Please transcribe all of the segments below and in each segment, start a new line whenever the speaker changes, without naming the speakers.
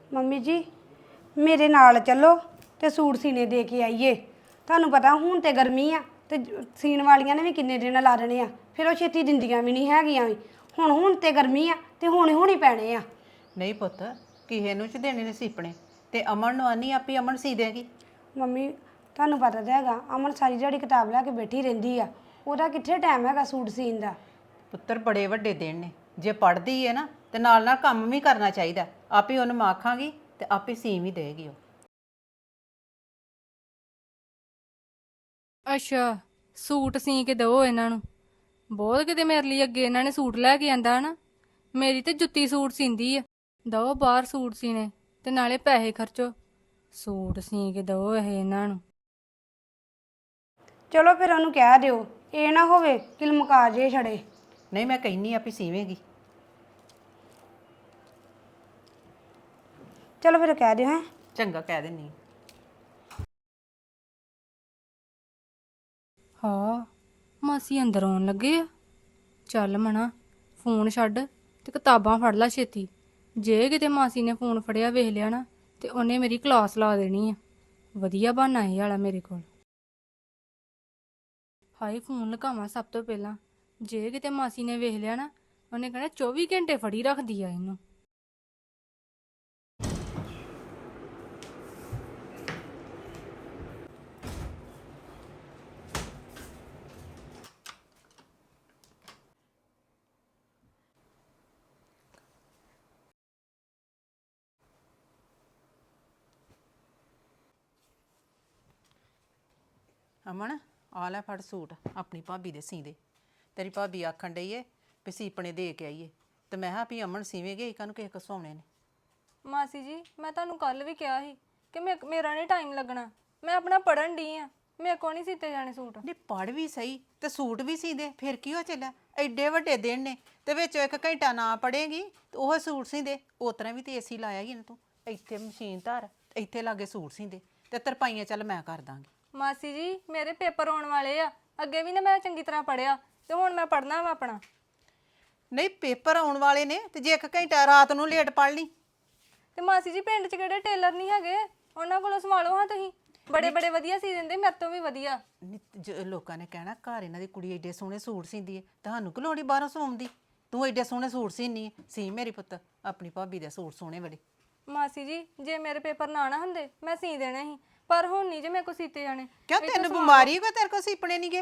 Mummy ਜੀ ਮੇਰੇ ਨਾਲ ਚੱਲੋ ਤੇ ਸੂਟ ਸੀਨੇ ਦੇ ਕੇ ਆਈਏ। ਤੁਹਾਨੂੰ ਪਤਾ ਹੁਣ ਤੇ ਗਰਮੀ ਆ ਤੇ ਸੀਨ ਵਾਲੀਆਂ ਨੇ ਵੀ ਕਿੰਨੇ ਦਿਨ ਲਾ ਦੇਣੇ ਆ, ਫਿਰ ਉਹ ਛੇਤੀ ਦਿੰਦੀਆਂ ਵੀ ਨਹੀਂ ਹੈਗੀਆਂ ਵੀ। ਹੁਣ ਤੇ ਗਰਮੀ ਆ ਤੇ ਹੁਣ ਹੀ ਪੈਣੇ ਆ।
ਨਹੀਂ ਪੁੱਤ, ਕਿਸੇ ਨੂੰ ਚ ਦੇਣੇ ਨੇ ਸੀਪਣੇ ਤੇ ਅਮਨ ਨੂੰ ਆਨੀ ਆਪੀ ਅਮਨ ਸੀ ਦੇਗੀ।
ਮੰਮੀ ਤੁਹਾਨੂੰ ਪਤਾ ਤਾਂ ਹੈਗਾ ਅਮਨ ਸਾਰੀ ਦਿਹਾੜੀ ਕਿਤਾਬ ਲੈ ਕੇ ਬੈਠੀ ਰਹਿੰਦੀ ਆ, ਉਹਦਾ ਕਿੱਥੇ ਟਾਈਮ ਹੈਗਾ ਸੂਟ ਸੀਨ ਦਾ।
ਪੁੱਤਰ ਬੜੇ ਵੱਡੇ ਦਿਨ ਨੇ, ਜੇ ਪੜ੍ਹਦੀ ਹੈ ਨਾ ਤੇ ਨਾਲ ਨਾਲ ਕੰਮ ਵੀ ਕਰਨਾ ਚਾਹੀਦਾ। ਆਪੇ ਉਹਨੂੰ ਮੈਂ ਆਖਾਂਗੀ ਤੇ ਆਪੇ ਸੀ ਵੀ ਦੇਗੀ ਉਹ।
ਅੱਛਾ, ਸੂਟ ਸੀ ਕੇ ਦਿਓ ਇਹਨਾਂ ਨੂੰ। ਬਹੁਤ ਕਿਤੇ ਮੇਰੇ ਲਈ ਅੱਗੇ ਇਹਨਾਂ ਨੇ ਸੂਟ ਲੈ ਕੇ ਆਂਦਾ ਨਾ। ਮੇਰੀ ਤੇ ਜੁੱਤੀ ਸੂਟ ਸੀਂਦੀ ਆ। ਦਿਓ ਬਾਹਰ ਸੂਟ ਸੀਨੇ ਤੇ ਨਾਲੇ ਪੈਸੇ ਖਰਚੋ। ਸੂਟ ਸੀ ਕੇ ਦਿਓ ਇਹ ਇਹਨਾਂ ਨੂੰ।
ਚਲੋ ਫਿਰ ਉਹਨੂੰ ਕਹਿ ਦਿਓ, ਇਹ ਨਾ ਹੋਵੇ ਕਿ ਲਮਕਾ ਜੇ ਛੜੇ।
ਨਹੀਂ, ਮੈਂ ਕਹਿੰਨੀ ਆਪੇ ਸੀਵੇਂਗੀ।
ਚਲੋ ਫਿਰ ਕਹਿ ਦਿਓ। ਹੈ
ਚੰਗਾ, ਕਹਿ ਦਿੰਨੀ।
ਹਾਂ, ਮਾਸੀ ਅੰਦਰ ਆਉਣ ਲੱਗੇ ਆ। ਚੱਲ ਮਣਾ, ਫੋਨ ਛੱਡ ਤੇ ਕਿਤਾਬਾਂ ਫੜ ਲੈ ਛੇਤੀ। ਜੇ ਕਿਤੇ ਮਾਸੀ ਨੇ ਫੋਨ ਫੜਿਆ ਵੇਖ ਲਿਆ ਨਾ ਤੇ ਉਹਨੇ ਮੇਰੀ ਕਲਾਸ ਲਾ ਦੇਣੀ ਆ। ਵਧੀਆ ਬਹਾਨਾ ਇਹ ਵਾਲਾ ਮੇਰੇ ਕੋਲ। ਹਾਏ, ਫੋਨ ਲਗਾਵਾਂ ਸਭ ਤੋਂ ਪਹਿਲਾਂ। ਜੇ ਕਿਤੇ ਮਾਸੀ ਨੇ ਵੇਖ ਲਿਆ ਨਾ ਉਹਨੇ ਕਹਿਣਾ 24 ਘੰਟੇ ਫੜੀ ਰੱਖਦੀ ਆ ਇਹਨੂੰ।
ਅਮਨ, ਆ ਲੈ ਫੜ ਸੂਟ ਆਪਣੀ ਭਾਬੀ ਦੇ ਸੀ ਦੇ। ਤੇਰੀ ਭਾਬੀ ਆਖਣ ਡਈ ਏ ਵੀ ਸੀਪਣੇ ਦੇ ਕੇ ਆਈਏ ਤੇ ਮੈਂ ਕਿਹਾ ਵੀ ਅਮਨ ਸੀਵੇਂਗੇ, ਇਹਨਾਂ ਨੂੰ ਕਿਸੇ ਕੋ ਸਵਾਉਣੇ ਨੇ।
ਮਾਸੀ ਜੀ, ਮੈਂ ਤੁਹਾਨੂੰ ਕੱਲ ਵੀ ਕਿਹਾ ਸੀ ਕਿ ਮੇਰਾ ਨਹੀਂ ਟਾਈਮ ਲੱਗਣਾ। ਮੈਂ ਆਪਣਾ ਪੜਨ ਡਈ ਆ, ਮੇਰੇ ਕੋਲ ਨਹੀਂ ਸੀਤੇ ਜਾਣੇ ਸੂਟ।
ਨਹੀਂ, ਪੜ੍ਹ ਵੀ ਸਹੀ ਤੇ ਸੂਟ ਵੀ ਸੀ ਦੇ, ਫਿਰ ਕੀ ਹੋ ਚੱਲਿਆ? ਐਡੇ ਵੱਡੇ ਦਿਨ ਨੇ ਤੇ ਵਿੱਚ 1 ਘੰਟਾ ਨਾ ਪੜ੍ਹੇਗੀ ਤੇ ਉਹ ਸੂਟ ਸੀ ਦੇ। ਉਸ ਤਰ੍ਹਾਂ ਵੀ ਤੇ ਏਸੀ ਲਾਇਆ ਹੀ ਨਾ ਤੂੰ। ਇੱਥੇ ਮਸ਼ੀਨ ਧਰ, ਇੱਥੇ ਲਾਗੇ ਸੂਟ ਸੀ ਦੇ ਤੇ ਤਰਪਾਈਆਂ ਚੱਲ ਮੈਂ ਕਰ ਦਾਂਗੀ।
ਮਾਸੀ ਜੀ, ਮੇਰੇ ਪੇਪਰ ਆਉਣ ਵਾਲੇ ਆ। ਅੱਗੇ ਵੀ ਨਾ ਮੈਂ ਚੰਗੀ ਤਰ੍ਹਾਂ ਪੜਿਆ ਤੇ ਹੁਣ ਮੈਂ ਪੜਨਾ ਵਾ ਆਪਣਾ।
ਨਹੀਂ, ਪੇਪਰ ਆਉਣ ਵਾਲੇ ਨੇ ਤੇ ਜੇ 1 ਘੰਟਾ ਰਾਤ ਨੂੰ ਲੇਟ ਪੜ੍ਹ ਲਈ
ਤੇ ਮਾਸੀ ਜੀ, ਪਿੰਡ 'ਚ ਕਿਹੜੇ ਟੇਲਰ ਨਹੀਂ ਹੈਗੇ? ਉਹਨਾਂ ਕੋਲੋਂ ਸੰਭਾਲੋ ਹਾਂ ਤੁਸੀਂ। ਬੜੇ ਬੜੇ ਵਧੀਆ ਸੀ ਦਿੰਦੇ, ਮੇਰੇ ਤੋਂ ਵੀ ਵਧੀਆ।
ਲੋਕਾਂ ਨੇ ਕਹਿਣਾ ਘਰ ਇਹਨਾਂ ਦੀ ਕੁੜੀ ਏਡੇ ਸੋਹਣੇ ਸੂਟ ਸੀਂਦੀ ਹੈ, ਤੁਹਾਨੂੰ ਕਿ ਲੋੜ ਈ ਬਾਹਰੋਂ ਸਵਾਉਣ ਦੀ? ਤੂੰ ਏਡੇ ਸੋਹਣੇ ਸੂਟ ਸੀਨੀ ਹੈ। ਸੀ ਮੇਰੀ ਪੁੱਤ ਆਪਣੀ ਭਾਬੀ ਦੇ ਸੂਟ ਸੋਹਣੇ ਬੜੇ।
ਮਾਸੀ ਜੀ, ਜੇ ਮੇਰੇ ਪੇਪਰ ਨਾ ਹੁੰਦੇ ਮੈਂ ਸੀ ਦੇਣੇ ਸੀ, ਪਰ ਹੁਣ ਨਹੀਂ ਜੇ ਮੇਰੇ ਕੋਲ ਸੀਤੇ ਜਾਣੇ।
ਕਿਉਂ, ਤੈਨੂੰ ਬਿਮਾਰੀ ਕੋਈ? ਤੇਰੇ ਕੋਲ ਸੀਪਣੇ ਨਹੀਂ ਗਏ?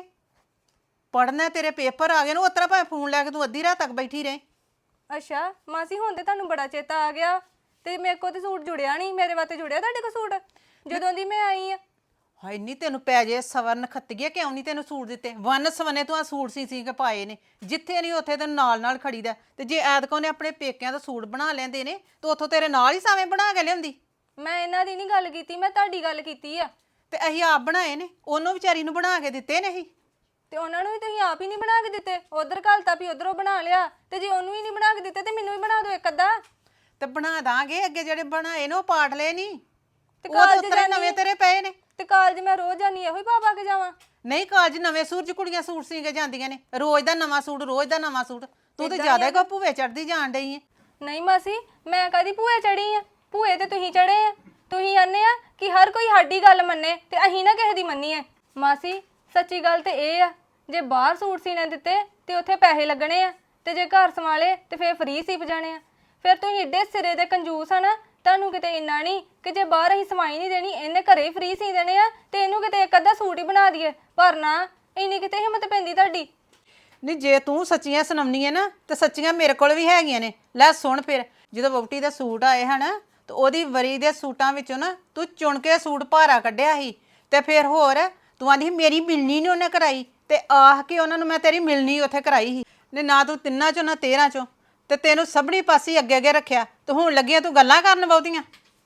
ਪੜ੍ਹਨਾ, ਤੇਰੇ ਪੇਪਰ ਆ ਗਏ ਨੂੰ ਉਤਰਾ ਭਾਵੇਂ ਫੋਨ ਲੈ ਕੇ ਤੂੰ ਅੱਧੀ ਰਾਤ ਤੱਕ ਬੈਠੀ ਰਹੇ।
ਅੱਛਾ ਮਾਸੀ, ਹੁਣ ਤੇ ਤੁਹਾਨੂੰ ਬੜਾ ਚੇਤਾ ਆ ਗਿਆ ਤੇ ਮੇਰੇ ਕੋਲ ਤੇ ਸੂਟ ਜੁੜਿਆ ਨਹੀਂ। ਮੇਰੇ ਵਾਸਤੇ ਜੁੜਿਆ ਤੁਹਾਡੇ ਕੋਲ ਸੂਟ ਜਦੋਂ ਦੀ ਮੈਂ ਆਈ ਆ?
ਹਾਏ ਨਹੀਂ, ਤੈਨੂੰ ਪੈ ਜੇ ਸਵਰਨ ਖੱਤੀਏ, ਕਿਉਂ ਨਹੀਂ ਤੈਨੂੰ ਸੂਟ ਦਿੱਤੇ? ਵੰਨ ਸਵਨੇ ਤੂੰ ਆ ਸੂਟ ਸੀ ਕੇ ਪਾਏ ਨੇ। ਜਿੱਥੇ ਨਹੀਂ ਉੱਥੇ ਤੈਨੂੰ ਨਾਲ ਨਾਲ ਖੜੀਦਾ। ਤੇ ਜੇ ਐਤਕੋਂ ਨੇ ਆਪਣੇ ਪੇਕਿਆਂ ਦਾ ਸੂਟ ਬਣਾ ਲੈਂਦੇ ਨੇ ਤਾਂ ਉੱਥੋਂ ਤੇਰੇ ਨਾਲ ਹੀ ਸਾਵੇਂ ਬਣਾ ਕੇ ਲਿਆਉਂਦੀ।
ਮੈਂ ਇਹਨਾਂ ਦੀ ਨਹੀਂ ਗੱਲ ਕੀਤੀ, ਮੈਂ ਤੁਹਾਡੀ ਗੱਲ ਕੀਤੀ ਆ।
ਤੇ ਅਸੀਂ ਆਪ ਬਣਾਏ ਨੇ, ਉਹਨੂੰ ਵਿਚਾਰੀ ਨੂੰ ਬਣਾ ਕੇ ਦਿੱਤੇ ਨੇ ਅਸੀਂ।
ਤੇ ਉਹਨਾਂ ਨੂੰ ਵੀ ਤੁਸੀਂ ਆਪ ਹੀ ਨਹੀਂ ਬਣਾ ਕੇ ਦਿੱਤੇ। ਉਧਰ ਘਲਤਾ ਵੀ ਉਧਰੋਂ ਬਣਾ ਲਿਆ, ਤੇ ਜੇ ਉਹਨੂੰ ਹੀ ਨਹੀਂ ਬਣਾ ਕੇ ਦਿੱਤੇ ਤੇ ਮੈਨੂੰ ਵੀ ਬਣਾ ਦਿਓ ਇੱਕ ਅੱਧਾ।
ਤੇ ਬਣਾ ਦਾਂਗੇ, ਅੱਗੇ ਜਿਹੜੇ ਬਣਾਏ ਨੇ ਉਹ ਪਾਟ ਲਏ ਨਹੀਂ
ਤੇ
ਉਹ ਤਾਂ
ਕਾਲਜ
ਉਤਰੇ ਨਵੇਂ ਤੇਰੇ ਪਏ ਨੇ।
ਤੇ ਕਾਲਜ ਮੈਂ ਰੋਜ਼ ਜਾਨੀ ਇਹੋ ਹੀ ਪਾ ਕੇ ਜਾਵਾਂ?
ਨਹੀਂ, ਕਾਲਜ ਨਵੇਂ ਸੂਟ 'ਚ ਕੁੜੀਆਂ ਸੂਟ ਸੀ ਕੇ ਜਾਂਦੀਆਂ ਨੇ। ਰੋਜ਼ ਦਾ ਨਵਾਂ ਸੂਟ, ਰੋਜ਼ ਦਾ ਨਵਾਂ ਸੂਟ। ਤੂੰ ਤੇ ਜ਼ਿਆਦਾ ਹੀ ਭੂਵੇ ਚੜਦੀ ਜਾਣ ਡਈ ਹੈ।
ਨਹੀਂ ਮਾਸੀ, ਮੈਂ ਕਦੀ ਭੂਏ ਚੜੀ ਆ? ਭੂਏ ਤੇ ਤੁਸੀਂ ਚੜੇ ਆ। ਤੁਸੀਂ ਆਨੇ ਆ ਕਿ ਹਰ ਕੋਈ ਸਾਡੀ ਗੱਲ ਮੰਨੇ ਤੇ ਅਸੀਂ ਨਾ ਕਿਸੇ ਦੀ ਮੰਨੀਏ। ਮਾਸੀ, ਸੱਚੀ ਗੱਲ ਤੇ ਇਹ ਆ, ਜੇ ਬਾਹਰ ਸੂਟ ਸੀਨੇ ਦਿੱਤੇ ਤੇ ਉੱਥੇ ਪੈਸੇ ਲੱਗਣੇ ਆ, ਤੇ ਜੇ ਘਰ ਸੰਭਾਲੇ ਤੇ ਫੇਰ ਫ੍ਰੀ ਸੀਪ ਜਾਣੇ ਆ। ਫਿਰ ਤੁਸੀਂ ਏਡੇ ਸਿਰੇ ਦੇ ਕੰਜੂਸ ਆ ਨਾ, ਤੁਹਾਨੂੰ ਕਿਤੇ ਇੰਨਾ ਨਹੀਂ ਕਿ ਜੇ ਬਾਹਰ ਅਸੀਂ ਸਵਾਈ ਨਹੀਂ ਦੇਣੀ, ਇਹਨੇ ਘਰੇ ਹੀ ਫ੍ਰੀ ਸੀ ਦੇਣੇ ਆ ਤੇ ਇਹਨੂੰ ਕਿਤੇ ਇੱਕ ਅੱਧਾ ਸੂਟ ਹੀ ਬਣਾ ਦਈਏ। ਪਰ ਨਾ, ਇੰਨੀ ਕਿਤੇ ਹਿੰਮਤ ਪੈਂਦੀ ਤੁਹਾਡੀ?
ਨਹੀਂ, ਜੇ ਤੂੰ ਸੱਚੀਆਂ ਸੁਣਾਉਣੀ ਹੈ ਨਾ ਤੇ ਸੱਚੀਆਂ ਮੇਰੇ ਕੋਲ ਵੀ ਹੈਗੀਆਂ ਨੇ। ਲੈ ਸੁਣ ਫਿਰ, ਜਦੋਂ ਵਹੁਟੀ ਦੇ ਸੂਟ ਆਏ ਹਨ ਤੇ ਉਹਦੀ ਵਰੀ ਦੇ ਸੂਟਾਂ ਵਿੱਚੋਂ ਨਾ ਤੂੰ ਚੁਣ ਕੇ ਸੂਟ ਭਾਰਾ ਕੱਢਿਆ ਸੀ। ਤੇ ਫਿਰ ਹੋਰ ਤੂੰ ਆਂਦੀ ਮੇਰੀ ਮਿਲਣੀ ਨਹੀਂ ਉਹਨੇ ਕਰਾਈ, ਤੇ ਆਹ ਕੇ ਉਹਨਾਂ ਨੂੰ ਮੈਂ ਤੇਰੀ ਮਿਲਣੀ ਉੱਥੇ ਕਰਾਈ ਸੀ। ਨੇ ਨਾ ਤੂੰ 3 ਚੋਂ ਨਾ 13 ਚੋਂ, ਤੇ ਤੈਨੂੰ ਸਭਨੀ ਪਾਸੇ ਅੱਗੇ ਅੱਗੇ ਰੱਖਿਆ ਤੇ ਹੁਣ ਲੱਗੀਆਂ ਤੂੰ ਗੱਲਾਂ ਕਰਨ ਬਹੁਤੀਆਂ।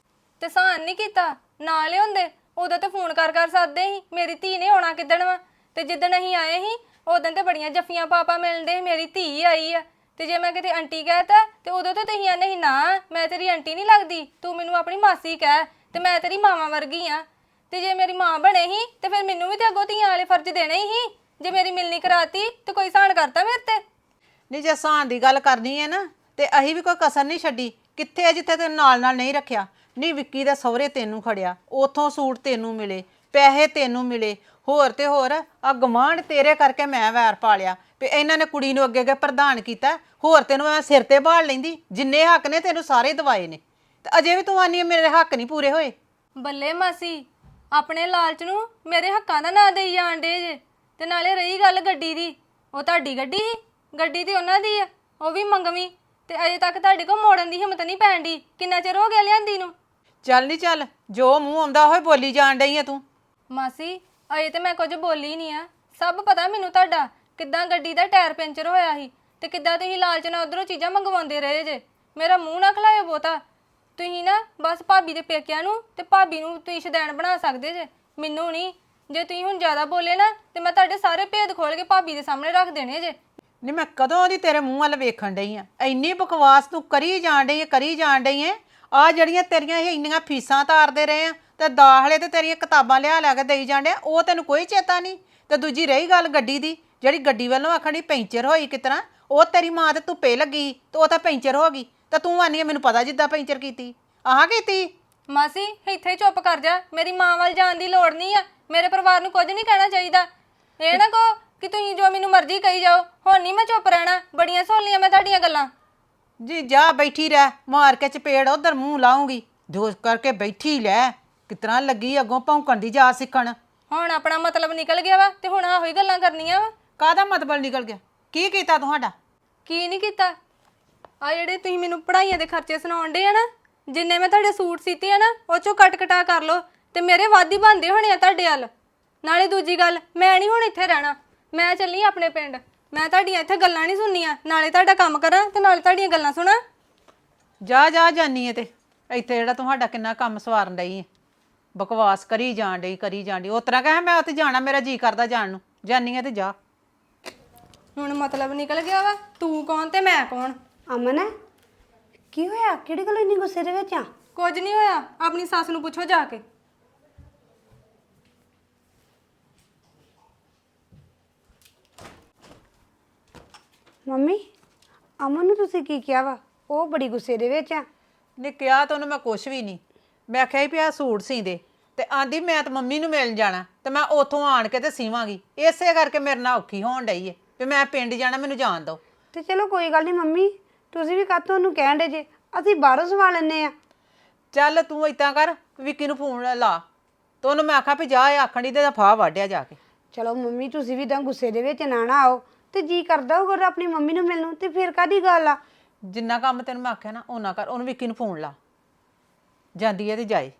ਤੇ ਸਾਨ ਨਹੀਂ ਕੀਤਾ ਨਾ ਲਿਆਉਂਦੇ? ਉਦੋਂ ਤੇ ਫੋਨ ਕਰ ਸਕਦੇ ਸੀ ਮੇਰੀ ਧੀ ਨੇ ਆਉਣਾ ਕਿੱਦਣ ਵਾ। ਤੇ ਜਿੱਦਣ ਅਸੀਂ ਆਏ ਸੀ ਉਦੋਂ ਤੇ ਬੜੀਆਂ ਜੱਫੀਆਂ ਪਾਪਾ ਮਿਲਦੇ, ਮੇਰੀ ਧੀ ਆਈ ਆ। ਤੇ ਜੇ ਮੈਂ ਕਿਤੇ ਆਂਟੀ ਕਹਿਤਾ ਤੇ ਉਦੋਂ ਤੇ ਤੁਸੀਂ ਆਨੇ ਸੀ ਨਾ ਮੈਂ ਤੇਰੀ ਆਂਟੀ ਨਹੀਂ ਲੱਗਦੀ, ਤੂੰ ਮੈਨੂੰ ਆਪਣੀ ਮਾਸੀ ਕਹਿ ਤੇ ਮੈਂ ਤੇਰੀ ਮਾਵਾਂ ਵਰਗੀ ਆ। ਤੇ ਜੇ ਮੇਰੀ ਮਾਂ ਬਣੇ ਸੀ ਤੇ ਫਿਰ ਮੈਨੂੰ ਵੀ ਤੇ ਅੱਗੋਂ ਧੀਆਂ ਵਾਲੇ ਫਰਜ਼ ਦੇਣੇ ਹੀ। ਜੇ ਮੇਰੀ ਮਿਲਣੀ ਕਰਾਤੀ ਤੇ ਕੋਈ ਸਾਨ ਕਰਤਾ ਮੇਰੇ ਤੇ?
ਨਹੀਂ, ਜੇ ਸਾਨ ਦੀ ਗੱਲ ਕਰਨੀ ਹੈ ਨਾ ਤੇ ਅਸੀਂ ਵੀ ਕੋਈ ਕਸਰ ਨਹੀਂ ਛੱਡੀ ਕਿੱਥੇ ਆ ਜਿੱਥੇ ਤੈਨੂੰ ਨਾਲ ਨਾਲ ਨਹੀਂ ਰੱਖਿਆ? ਨਹੀਂ ਵਿੱਕੀ ਦੇ ਸਹੁਰੇ ਤੈਨੂੰ ਖੜਿਆ, ਉਥੋਂ ਸੂਟ ਤੈਨੂੰ ਮਿਲੇ, ਪੈਸੇ ਤੈਨੂੰ ਮਿਲੇ, ਹੋਰ ਤੇ ਹੋਰ ਆ ਗਵਾਂਢ ਤੇਰੇ ਕਰਕੇ ਮੈਂ ਵੈਰ ਪਾਲਿਆ ਵੀ ਇਹਨਾਂ ਨੇ ਕੁੜੀ ਨੂੰ ਅੱਗੇ ਅੱਗੇ ਪ੍ਰਧਾਨ ਕੀਤਾ। ਹੋਰ ਤੈਨੂੰ ਮੈਂ ਸਿਰ ਤੇ ਬਾਲ ਲੈਂਦੀ, ਜਿੰਨੇ ਹੱਕ ਨੇ ਤੈਨੂੰ ਸਾਰੇ ਦਵਾਏ ਨੇ, ਤੇ ਅਜੇ ਵੀ ਤੂੰ ਆਨੀ ਮੇਰੇ ਹੱਕ ਨਹੀਂ ਪੂਰੇ ਹੋਏ।
ਬੱਲੇ ਮਾਸੀ, ਆਪਣੇ ਲਾਲਚ ਨੂੰ ਮੇਰੇ ਹੱਕਾਂ ਦਾ ਨਾਂ ਦੇਈ ਜਾਣ ਡੇ ਜੇ। ਤੇ ਨਾਲੇ ਰਹੀ ਗੱਲ ਗੱਡੀ ਦੀ, ਉਹ ਤੁਹਾਡੀ ਗੱਡੀ ਸੀ, ਗੱਡੀ ਤੇ ਉਹਨਾਂ ਦੀ ਆ, ਉਹ ਵੀ ਮੰਗਵੀਂ, ਤੇ ਅਜੇ ਤੱਕ ਤੁਹਾਡੇ ਕੋਲ ਮੋੜਨ ਦੀ ਹਿੰਮਤ ਨਹੀਂ ਪੈਣ ਦੀ। ਕਿੰਨਾ ਚਿਰ ਹੋ ਗਿਆ ਲਿਆਂਦੀ ਨੂੰ?
ਚੱਲ ਨਹੀਂ ਚੱਲ, ਜੋ ਮੂੰਹ ਆਉਂਦਾ ਹੋਏ ਬੋਲੀ ਜਾਣ ਡਈ ਆ ਤੂੰ।
ਮਾਸੀ ਅਜੇ ਤੇ ਮੈਂ ਕੁਝ ਬੋਲੀ ਨਹੀਂ ਆ, ਸਭ ਪਤਾ ਮੈਨੂੰ ਤੁਹਾਡਾ, ਕਿੱਦਾਂ ਗੱਡੀ ਦਾ ਟਾਇਰ ਪੈਂਚਰ ਹੋਇਆ ਸੀ ਤੇ ਕਿੱਦਾਂ ਤੁਸੀਂ ਲਾਲਚ ਨਾਲ ਉਧਰੋਂ ਚੀਜ਼ਾਂ ਮੰਗਵਾਉਂਦੇ ਰਹੇ ਜੇ। ਮੇਰਾ ਮੂੰਹ ਨਾ ਖਲਾਇਓ ਬਹੁਤਾ। ਤੁਸੀਂ ਨਾ ਬਸ ਭਾਬੀ ਦੇ ਪੇਕਿਆਂ ਨੂੰ ਤੇ ਭਾਬੀ ਨੂੰ ਤੁਸੀਂ ਸ਼ਦੈਣ ਬਣਾ ਸਕਦੇ ਜੇ, ਮੈਨੂੰ ਨਹੀਂ। ਜੇ ਤੁਸੀਂ ਹੁਣ ਜ਼ਿਆਦਾ ਬੋਲੇ ਨਾ ਤੇ ਮੈਂ ਤੁਹਾਡੇ ਸਾਰੇ ਭੇਦ ਖੋਲ ਕੇ ਭਾਬੀ ਦੇ ਸਾਹਮਣੇ ਰੱਖ ਦੇਣੇ ਜੇ।
ਨਹੀਂ ਮੈਂ ਕਦੋਂ ਦੀ ਤੇਰੇ ਮੂੰਹ ਵੱਲ ਵੇਖਣ ਡਈ ਆ, ਇੰਨੀ ਬਕਵਾਸ ਤੂੰ ਕਰੀ ਜਾਣ ਡਈ ਐ। ਆ ਜਿਹੜੀਆਂ ਤੇਰੀਆਂ ਇਹ ਇੰਨੀਆਂ ਫੀਸਾਂ ਤਾਰਦੇ ਰਹੇ ਆ ਤੇ ਦਾਖਲੇ ਤੇ ਤੇਰੀਆਂ ਕਿਤਾਬਾਂ ਲਿਆ ਕੇ ਦੇਈ ਜਾਂਦੇ ਆ, ਉਹ ਤੈਨੂੰ ਕੋਈ ਚੇਤਾ ਨਹੀਂ। ਤੇ ਦੂਜੀ ਰਹੀ ਗੱਲ ਗੱਡੀ ਦੀ, ਜਿਹੜੀ ਗੱਡੀ ਵੱਲੋਂ ਆਖਣੀ ਪੈਂਚਰ ਹੋਈ ਕਿਤਨਾ, ਉਹ ਤੇਰੀ ਮਾਂ ਤੇ ਧੁੱਪੇ ਲੱਗੀ ਤੇ ਉਹ ਤਾਂ ਪੈਂਚਰ ਹੋ ਗਈ, ਤੇ ਤੂੰ ਆਨੀ ਮੈਨੂੰ ਪਤਾ ਜਿੱਦਾਂ ਪੈਂਚਰ ਕੀਤੀ ਆਹ ਕੀਤੀ।
ਮਾਸੀ ਇੱਥੇ ਚੁੱਪ ਕਰ ਜਾ, ਮੇਰੀ ਮਾਂ ਵੱਲ ਜਾਣ ਦੀ ਲੋੜ ਨਹੀਂ ਆ। ਮੇਰੇ ਪਰਿਵਾਰ ਨੂੰ ਕੁਝ ਨਹੀਂ ਕਹਿਣਾ ਚਾਹੀਦਾ। ਇਹ ਨਾ ਕਹੋ ਕਿ ਤੁਸੀਂ ਜੋ ਮੈਨੂੰ ਮਰਜ਼ੀ ਕਹੀ ਜਾਓ। ਹੁਣ ਨਹੀਂ ਮੈਂ ਚੁੱਪ ਰਹਿਣਾ, ਬੜੀਆਂ ਸੋਹਣੀਆਂ ਮੈਂ ਤੁਹਾਡੀਆਂ ਗੱਲਾਂ।
ਜੀ ਜਾ ਬੈਠੀ ਰਹਿ, ਮਾਰ ਕੇ ਚਪੇੜ ਉਧਰ ਮੂੰਹ ਲਾਉਂਗੀ, ਜੋਸ਼ ਕਰਕੇ ਬੈਠੀ ਲੈ। ਕਿਤਨਾ ਲੱਗੀ ਅੱਗੋਂ ਭੌਂਕਣ ਦੀ ਜਾ ਸਿੱਖਣ।
ਹੁਣ ਆਪਣਾ ਮਤਲਬ ਨਿਕਲ ਗਿਆ ਵਾ ਤੇ ਹੁਣ ਆਹੋ ਹੀ ਗੱਲਾਂ ਕਰਨੀਆਂ ਵਾ।
ਕਾਹਦਾ ਮਤਲਬ ਨਿਕਲ ਗਿਆ? ਕੀ ਕੀਤਾ ਤੁਹਾਡਾ?
ਕੀ ਨਹੀਂ ਕੀਤਾ? ਆ ਜਿਹੜੇ ਤੁਸੀਂ ਮੈਨੂੰ ਪੜ੍ਹਾਈਆਂ ਦੇ ਖਰਚੇ ਸੁਣਾਉਣ ਡੇ ਆ ਨਾ, ਜਿੰਨੇ ਮੈਂ ਤੁਹਾਡੇ ਸੂਟ ਸੀਤੇ ਆ ਨਾ, ਉਹ ਚੋਂ ਕੱਟ ਕਟਾ ਕਰ ਲਓ ਤੇ ਮੇਰੇ ਵੱਧ ਹੀ ਬਣਦੇ ਹੋਣੇ ਆ ਤੁਹਾਡੇ ਵੱਲ। ਨਾਲੇ ਦੂਜੀ ਗੱਲ, ਮੈਂ ਨਹੀਂ ਹੁਣ ਇੱਥੇ ਰਹਿਣਾ, ਮੈਂ ਚੱਲੀ ਆਪਣੇ ਪਿੰਡ। ਮੈਂ ਤੁਹਾਡੀਆਂ ਇੱਥੇ ਗੱਲਾਂ ਨਹੀਂ ਸੁਣਨੀਆਂ, ਨਾਲੇ ਤੁਹਾਡਾ ਕੰਮ ਕਰਾਂ ਤੇ ਨਾਲੇ ਤੁਹਾਡੀਆਂ ਗੱਲਾਂ ਸੁਣਾ।
ਜਾ ਜਾ ਜਾਨੀ ਏ ਤੇ ਇੱਥੇ ਜਿਹੜਾ ਤੁਹਾਡਾ ਕਿੰਨਾ ਕੰਮ ਸਵਾਰਨ ਡਈ ਏ, ਬਕਵਾਸ ਕਰੀ ਜਾਣ ਡਈ ਉਸ ਤਰ੍ਹਾਂ ਕਹੇ ਮੈਂ ਉੱਥੇ ਜਾਣਾ, ਮੇਰਾ ਜੀ ਕਰਦਾ ਜਾਣ ਨੂੰ, ਜਾਨੀ ਏ ਤੇ ਜਾ।
ਹੁਣ ਮਤਲਬ ਨਿਕਲ ਗਿਆ ਵਾ, ਤੂੰ ਕੌਣ ਤੇ ਮੈਂ ਕੌਣ।
ਅਮਨ ਕੀ ਹੋਇਆ? ਕਿਹੜੀ ਗੱਲ ਇੰਨੀ ਗੁੱਸੇ ਦੇ ਵਿੱਚ ਆ?
ਕੁਝ ਨਹੀਂ ਹੋਇਆ, ਆਪਣੀ ਸੱਸ ਨੂੰ ਪੁੱਛੋ ਜਾ ਕੇ।
ਮੰਮੀ ਅਮਨ ਨੂੰ ਤੁਸੀਂ ਕੀ ਕਿਹਾ ਵਾ? ਉਹ ਬੜੀ ਗੁੱਸੇ ਦੇ ਵਿੱਚ ਆ।
ਨਹੀਂ ਕਿਹਾ ਤਾਂ ਉਹਨੂੰ ਮੈਂ ਕੁਛ ਵੀ ਨਹੀਂ, ਮੈਂ ਆਖਿਆ ਸੀ ਵੀ ਆਹ ਸੂਟ ਸੀਂਦੇ, ਤੇ ਆਂਦੀ ਮੈਂ ਤਾਂ ਮੰਮੀ ਨੂੰ ਮਿਲਣ ਜਾਣਾ ਤੇ ਮੈਂ ਉੱਥੋਂ ਆਣ ਕੇ ਤੇ ਸੀਵਾਂਗੀ। ਇਸੇ ਕਰਕੇ ਮੇਰੇ ਨਾਲ ਔਖੀ ਹੋਣ ਡਈ ਏ ਵੀ ਮੈਂ ਪਿੰਡ ਜਾਣਾ, ਮੈਨੂੰ ਜਾਣ ਦਿਓ।
ਤੇ ਚਲੋ ਕੋਈ ਗੱਲ ਨਹੀਂ ਮੰਮੀ, ਤੁਸੀਂ ਵੀ ਕਾਹਤੋਂ ਉਹਨੂੰ ਕਹਿਣ ਡੇ ਜੇ, ਅਸੀਂ ਬਾਹਰੋਂ ਸਵਾ ਲੈਂਦੇ ਆ।
ਚੱਲ ਤੂੰ ਏਦਾਂ ਕਰ, ਵਿੱਕੀ ਨੂੰ ਫੋਨ ਲਾ ਤੇ ਉਹਨੂੰ ਮੈਂ ਆਖਾਂ ਵੀ ਜਾ, ਇਹ ਆਖਣ ਦੀ ਤੇ ਫਾਹ ਵਾਢਿਆ ਜਾ ਕੇ।
ਚਲੋ ਮੰਮੀ ਤੁਸੀਂ ਵੀ ਤਾਂ ਗੁੱਸੇ ਦੇ ਵਿੱਚ ਨਾ ਆਓ, ਤੇ ਜੀ ਕਰਦਾ ਹੋਊਗਾ ਆਪਣੀ ਮੰਮੀ ਨੂੰ ਮਿਲਣ ਨੂੰ, ਤੇ ਫਿਰ ਕਾਹਦੀ ਗੱਲ ਆ?
ਜਿੰਨਾ ਕੰਮ ਤੈਨੂੰ ਮੈਂ ਆਖਿਆ ਨਾ ਓਨਾ ਕਰ, ਉਹਨੂੰ ਵਿੱਕੀ ਨੂੰ ਫੋਨ ਲਾ, ਜਾਂਦੀ ਹੈ ਤੇ ਜਾਏ।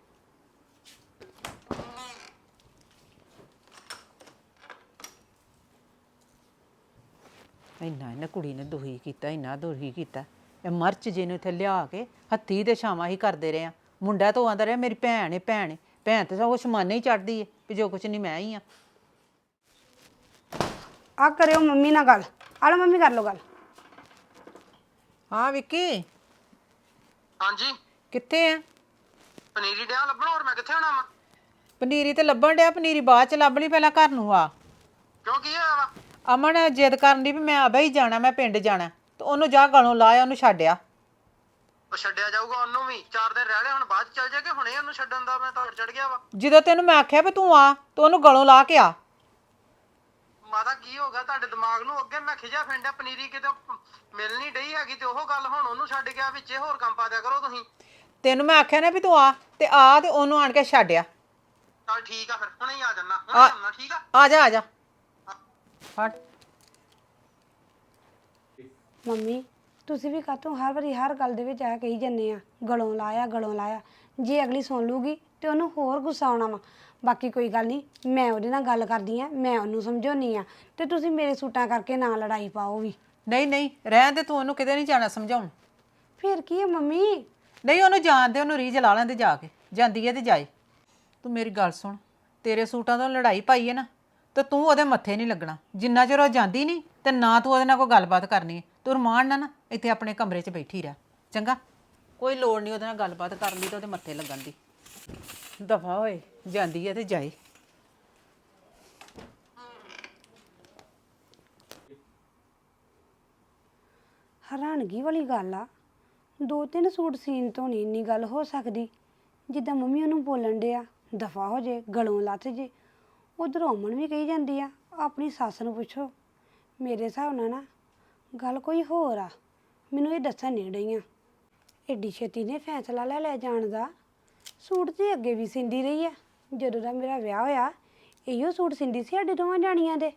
ਇੰਨਾ ਇਹਨੇ ਕੁੜੀ ਨੇ ਦੁਖੀ ਕੀਤਾ, ਇੰਨਾ ਦੁਖੀ ਕੀਤਾ। ਇਹ ਮਰਚ ਜਿਹਨੂੰ ਇੱਥੇ ਲਿਆ ਕੇ ਹੱਥੀ ਦੇ ਛਾਵਾਂ ਹੀ ਕਰਦੇ ਰਹੇ ਆ। ਮੁੰਡਾ ਤਾਂ ਆਂਦਾ ਰਿਹਾ ਮੇਰੀ ਭੈਣ ਏ ਭੈਣ ਏ, ਭੈਣ ਤੇ ਸਭ ਕੁਛ ਮਾਨੇ ਹੀ ਚੜਦੀ ਏ ਵੀ ਜੋ ਕੁਛ ਨਹੀਂ ਮੈਂ ਹੀ ਆ।
ਆ ਕਰਿਓ ਮੰਮੀ ਨਾਲ ਗੱਲ, ਆ ਲਓ ਮੰਮੀ ਕਰ ਲਓ ਗੱਲ।
ਹਾਂ ਵਿੱਕੀ
ਹਾਂਜੀ
ਕਿੱਥੇ ਆ?
ਪਨੀਰੀ ਡਿਆ ਲੱਭਣ, ਹੋਰ ਮੈਂ ਕਿੱਥੇ ਹੋਣਾ ਵਾ?
ਪਨੀਰੀ ਤੇ ਲੱਭਣ ਡਿਆ, ਪਨੀਰੀ ਬਾਅਦ ਚ ਲੱਭ ਲਈ, ਪਹਿਲਾਂ ਘਰ ਨੂੰ ਆ।
ਕਿਉਂ ਕੀ ਹੋਇਆ ਵਾ?
ਅਮਨ ਜਿੱਦ ਕਰਨ ਦੀ ਵੀ ਮੈਂ ਆਬਾ ਹੀ ਜਾਣਾ, ਮੈਂ ਪਿੰਡ ਜਾਣਾ, ਤੇ ਉਹਨੂੰ ਜਾ ਗਲੋਂ ਲਾਇਆ, ਉਹਨੂੰ ਛੱਡਿਆ।
ਉਹ ਛੱਡਿਆ ਜਾਊਗਾ ਉਹਨੂੰ ਵੀ, 4 ਦਿਨ ਰਹਿ ਲਏ, ਹੁਣ ਬਾਅਦ ਚ ਚੱਲ ਜਾਗੇ, ਹੁਣੇ ਉਹਨੂੰ ਛੱਡਣ ਦਾ ਮੈਂ ਤਾਂ ਚੜ ਗਿਆ ਵਾ।
ਜਦੋਂ ਤੈਨੂੰ ਮੈਂ ਆਖਿਆ ਵੀ ਤੂੰ ਆ, ਤੇ ਉਹਨੂੰ ਗਲੋਂ ਲਾ ਕੇ ਆ।
ਮਾਤਾ ਕੀ ਹੋ ਗਿਆ ਤੁਹਾਡੇ ਦਿਮਾਗ ਨੂੰ? ਅੱਗੇ ਮੈਂ ਖਿਜਾ ਫਿੰਡਿਆ, ਪਨੀਰੀ ਕਿਤੇ ਮਿਲ ਨਹੀਂ ਡਈ ਹੈਗੀ ਤੇ ਉਹ ਗੱਲ, ਹੁਣ ਉਹਨੂੰ ਛੱਡ ਗਿਆ ਵਿੱਚੇ, ਹੋਰ ਕੰਮ ਪਾ ਦਿਆ ਕਰੋ ਤੁਸੀਂ।
ਤੈਨੂੰ ਮੈਂ ਆਖਿਆ ਨਾ ਵੀ ਤੂੰ ਆ, ਤੇ ਆ ਤੇ ਉਹਨੂੰ ਆਣ ਕੇ ਛੱਡਿਆ।
ਚੱਲ ਠੀਕ ਆ, ਫਿਰ ਹੁਣੇ ਹੀ ਆ ਜਾਣਾ, ਹੁਣੇ ਆਉਣਾ, ਠੀਕ ਆ?
ਆ ਜਾ ਆ ਜਾ ਹਟ।
ਮੰਮੀ ਤੁਸੀਂ ਵੀ ਕਾਹਤੋਂ ਹਰ ਵਾਰੀ ਹਰ ਗੱਲ ਦੇ ਵਿੱਚ ਆ ਕਹੀ ਜੰਨੇ ਆ ਗਲੋਂ ਲਾਇਆ ਗਲੋਂ ਲਾਇਆ? ਜੇ ਅਗਲੀ ਸੁਣ ਲੂਗੀ ਤੇ ਉਹਨੂੰ ਹੋਰ ਗੁੱਸਾ ਆਉਣਾ ਵਾ। ਬਾਕੀ ਕੋਈ ਗੱਲ ਨਹੀਂ, ਮੈਂ ਉਹਦੇ ਨਾਲ ਗੱਲ ਕਰਦੀ ਆ, ਮੈਂ ਉਹਨੂੰ ਸਮਝਾਉਣੀ ਆ, ਤੇ ਤੁਸੀਂ ਮੇਰੇ ਸੂਟਾਂ ਕਰਕੇ ਨਾ ਲੜਾਈ ਪਾਓ ਵੀ।
ਨਹੀਂ ਨਹੀਂ ਰਹਿਣ ਦੇ, ਤੂੰ ਉਹਨੂੰ ਕਿਤੇ ਨਹੀਂ ਜਾਣਾ ਸਮਝਾਉਣ।
ਫਿਰ ਕੀ ਹੈ ਮੰਮੀ?
ਨਹੀਂ ਉਹਨੂੰ ਜਾਣ ਦੇ, ਉਹਨੂੰ ਰੀਝ ਲਾ ਲੈਂਦੇ ਜਾ ਕੇ, ਜਾਂਦੀ ਹੈ ਤੇ ਜਾਏ। ਤੂੰ ਮੇਰੀ ਗੱਲ ਸੁਣ, ਤੇਰੇ ਸੂਟਾਂ ਤੋਂ ਲੜਾਈ ਪਾਈ ਹੈ ਨਾ, ਤੇ ਤੂੰ ਉਹਦੇ ਮੱਥੇ ਨਹੀਂ ਲੱਗਣਾ ਜਿੰਨਾ ਚਿਰ ਉਹ ਜਾਂਦੀ ਨਹੀਂ, ਤੇ ਨਾ ਤੂੰ ਉਹਦੇ ਨਾਲ ਕੋਈ ਗੱਲਬਾਤ ਕਰਨੀ ਹੈ। ਤੂੰ ਰਮਾਨ ਨਾ ਇੱਥੇ ਆਪਣੇ ਕਮਰੇ 'ਚ ਬੈਠੀ ਰਹਿ, ਚੰਗਾ? ਕੋਈ ਲੋੜ ਨਹੀਂ ਉਹਦੇ ਨਾਲ ਗੱਲਬਾਤ ਕਰਨ ਦੀ ਤੇ ਉਹਦੇ ਮੱਥੇ ਲੱਗਣ ਦੀ। ਦਫਾ ਹੋਏ, ਜਾਂਦੀ ਹੈ ਤੇ ਜਾਏ।
ਹੈਰਾਨਗੀ ਵਾਲੀ ਗੱਲ ਆ, 2-3 ਸੂਟ ਸੀਨ ਤੋਂ ਨਹੀਂ ਇੰਨੀ ਗੱਲ ਹੋ ਸਕਦੀ ਜਿੱਦਾਂ ਮੰਮੀ ਉਹਨੂੰ ਬੋਲਣ ਡਿਆ ਦਫਾ ਹੋ ਜੇ ਗਲੋਂ ਲੱਥ ਜੇ। ਉਧਰ ਅਮਨ ਵੀ ਕਹੀ ਜਾਂਦੀ ਆ ਆਪਣੀ ਸੱਸ ਨੂੰ ਪੁੱਛੋ। ਮੇਰੇ ਹਿਸਾਬ ਨਾਲ ਨਾ ਗੱਲ ਕੋਈ ਹੋਰ ਆ, ਮੈਨੂੰ ਇਹ ਦੱਸਣ ਨਹੀਂ ਡਈਆਂ। ਐਡੀ ਛੇਤੀ ਨੇ ਫੈਸਲਾ ਲੈ ਜਾਣ ਦਾ। ਸੂਟ ਤੇ ਅੱਗੇ ਵੀ ਸਿੰਦੀ ਰਹੀ ਆ, ਜਦੋਂ ਦਾ ਮੇਰਾ ਵਿਆਹ ਹੋਇਆ ਇਹੋ ਸੂਟ ਸਿੰਦੀ ਸੀ ਸਾਡੇ ਦੋਵਾਂ ਜਾਣੀਆਂ ਦੇ।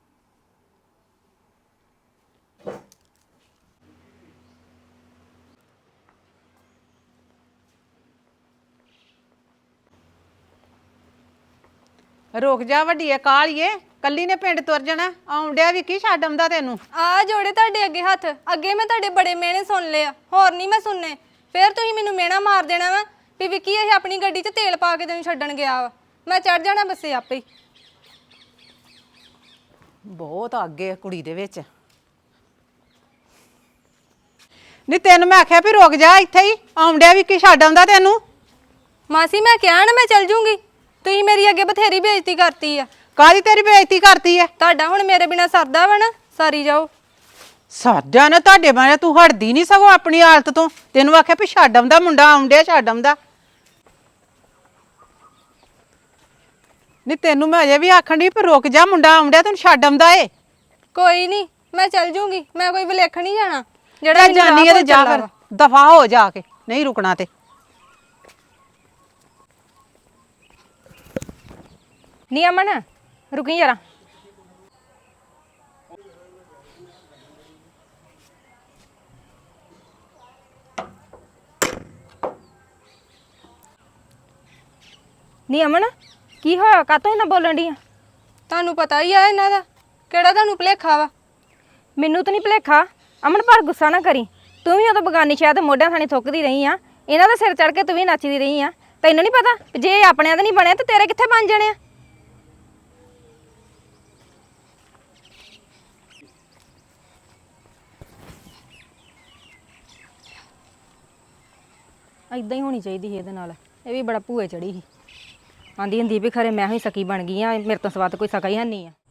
ਰੁਕ ਜਾ ਵੱਡੀਏ ਕਾਲੀਏ, ਕੱਲੀ ਨੇ ਪਿੰਡ ਤੁਰ ਜਾਣਾ। ਆਉਂਦਿਆ ਵੀ ਕੀ ਛੱਡ ਆਉਂਦਾ ਤੈਨੂੰ।
ਆ ਜੋੜੇ ਤੁਹਾਡੇ ਅੱਗੇ ਹੱਥ, ਅੱਗੇ ਮੈਂ ਤੁਹਾਡੇ ਬੜੇ ਮਿਹਣੇ ਸੁਣ ਲਏ ਆ, ਹੋਰ ਨਹੀਂ ਮੈਂ ਸੁਣਨੇ। ਫਿਰ ਤੁਸੀਂ ਮੈਨੂੰ ਮਿਹਣਾ ਮਾਰ ਦੇਣਾ ਵਾ ਵੀ ਵਿੱਕੀ ਇਹ ਆਪਣੀ ਗੱਡੀ 'ਚ ਤੇਲ ਪਾ ਕੇ ਤੈਨੂੰ ਛੱਡਣ ਗਿਆ ਵਾ। ਮੈਂ ਚੜ ਜਾਣਾ ਬੱਸੇ ਆਪੇ ਹੀ।
ਬਹੁਤ ਅੱਗੇ ਕੁੜੀ ਦੇ ਵਿੱਚ। ਨਹੀਂ ਤੈਨੂੰ ਮੈਂ ਆਖਿਆ ਵੀ ਰੁਕ ਜਾ ਇੱਥੇ ਹੀ, ਆਉਂਦਿਆ ਵੀ ਕੀ ਛੱਡ ਆਉਂਦਾ ਤੈਨੂੰ।
ਮਾਸੀ ਮੈਂ ਕਿਹਾ ਨਾ ਮੈਂ ਚੱਲ ਜੂੰਗੀ, ਤੁਸੀਂ ਮੇਰੀ ਅੱਗੇ ਬਥੇਰੀ ਬੇਇੱਜ਼ਤੀ ਕਰਤੀ ਆ।
ਕਾਹਦੀ ਤੇਰੀ ਬੇਇੱਜ਼ਤੀ ਕਰਤੀ ਐ?
ਤੁਹਾਡਾ ਹੁਣ ਮੇਰੇ ਬਿਨਾ ਸਰਦਾ ਵਾ ਨਾ, ਸਾਰੀ ਜਾਓ।
ਸਾਡਾ ਨਾ ਤੁਹਾਡੇ ਬਾਰੇ ਤੂੰ ਹਟਦੀ ਨਹੀਂ ਸਗੋਂ ਆਪਣੀ ਹਾਲਤ ਤੋਂ। ਤੈਨੂੰ ਆਖਿਆ ਵੀ ਛੱਡ ਆਉਂਦਾ ਮੁੰਡਾ, ਆਉਂਦਿਆ ਛੱਡ ਆਉਂਦਾ। ਨਹੀਂ ਤੈਨੂੰ ਮੈਂ ਅਜੇ ਵੀ ਆਖਣ ਦੀ ਵੀ ਰੁਕ ਜਾ, ਮੁੰਡਾ ਆਉਂਦਿਆ ਤੈਨੂੰ ਛੱਡ ਆਉਂਦਾ ਏ।
ਕੋਈ ਨਹੀਂ ਮੈਂ ਚੱਲ ਜੂੰਗੀ, ਮੈਂ ਕੋਈ ਵਿਲੇਖ ਨਹੀਂ ਜਾਣਾ।
ਜਿਹੜਾ ਜਾਨੀ ਹੈ ਤੇ ਜਾ ਫਿਰ, ਦਫਾ ਹੋ ਜਾ ਕੇ, ਨਹੀਂ ਰੁਕਣਾ ਤੇ।
ਨਹੀਂ ਅਮਨ ਰੁਕੀ ਜਰਾ। ਨਹੀਂ ਅਮਨ ਕੀ ਹੋਇਆ, ਕਾਤੋਂ ਇਹਨਾਂ ਬੋਲਣ ਡੀਆਂ? ਤੁਹਾਨੂੰ ਪਤਾ ਹੀ ਆ ਇਹਨਾਂ ਦਾ, ਕਿਹੜਾ ਤੁਹਾਨੂੰ ਭੁਲੇਖਾ ਵਾ? ਮੈਨੂੰ ਤਾਂ ਨਹੀਂ ਭੁਲੇਖਾ ਅਮਨ, ਪਰ ਗੁੱਸਾ ਨਾ ਕਰੀ। ਤੂੰ ਵੀ ਉਦੋਂ ਬਗਾਨੀ ਸ਼ਾਇਦ ਮੋਢਿਆਂ ਥਾਣੀ ਥੁੱਕਦੀ ਰਹੀ ਆ, ਇਹਨਾਂ ਦਾ ਸਿਰ ਚੜ ਕੇ ਤੂੰ ਵੀ ਨੱਚਦੀ ਰਹੀ ਆ। ਤੈਨੂੰ ਨਹੀਂ ਪਤਾ ਜੇ ਆਪਣਿਆਂ ਦਾ ਨਹੀਂ ਬਣਿਆ ਤਾਂ ਤੇਰੇ ਕਿੱਥੇ ਬਣ ਜਾਣੇ ਆ? ਇਦਾਂ ਹੀ ਹੋਣੀ ਚਾਹੀਦੀ ਸੀ ਇਹਦੇ ਨਾਲ। ਇਹ ਵੀ ਬੜਾ ਭੂਏ ਚੜੀ ਸੀ, ਆਂਦੀ ਹੁੰਦੀ ਵੀ ਖਰੇ ਮੈਂ ਹੀ ਸਕੀ ਬਣ ਗਈ ਆ, ਮੇਰੇ ਤੋਂ ਸਵਾਦ ਕੋਈ ਸਕਾ ਹੀ ਨਹੀਂ ਆ।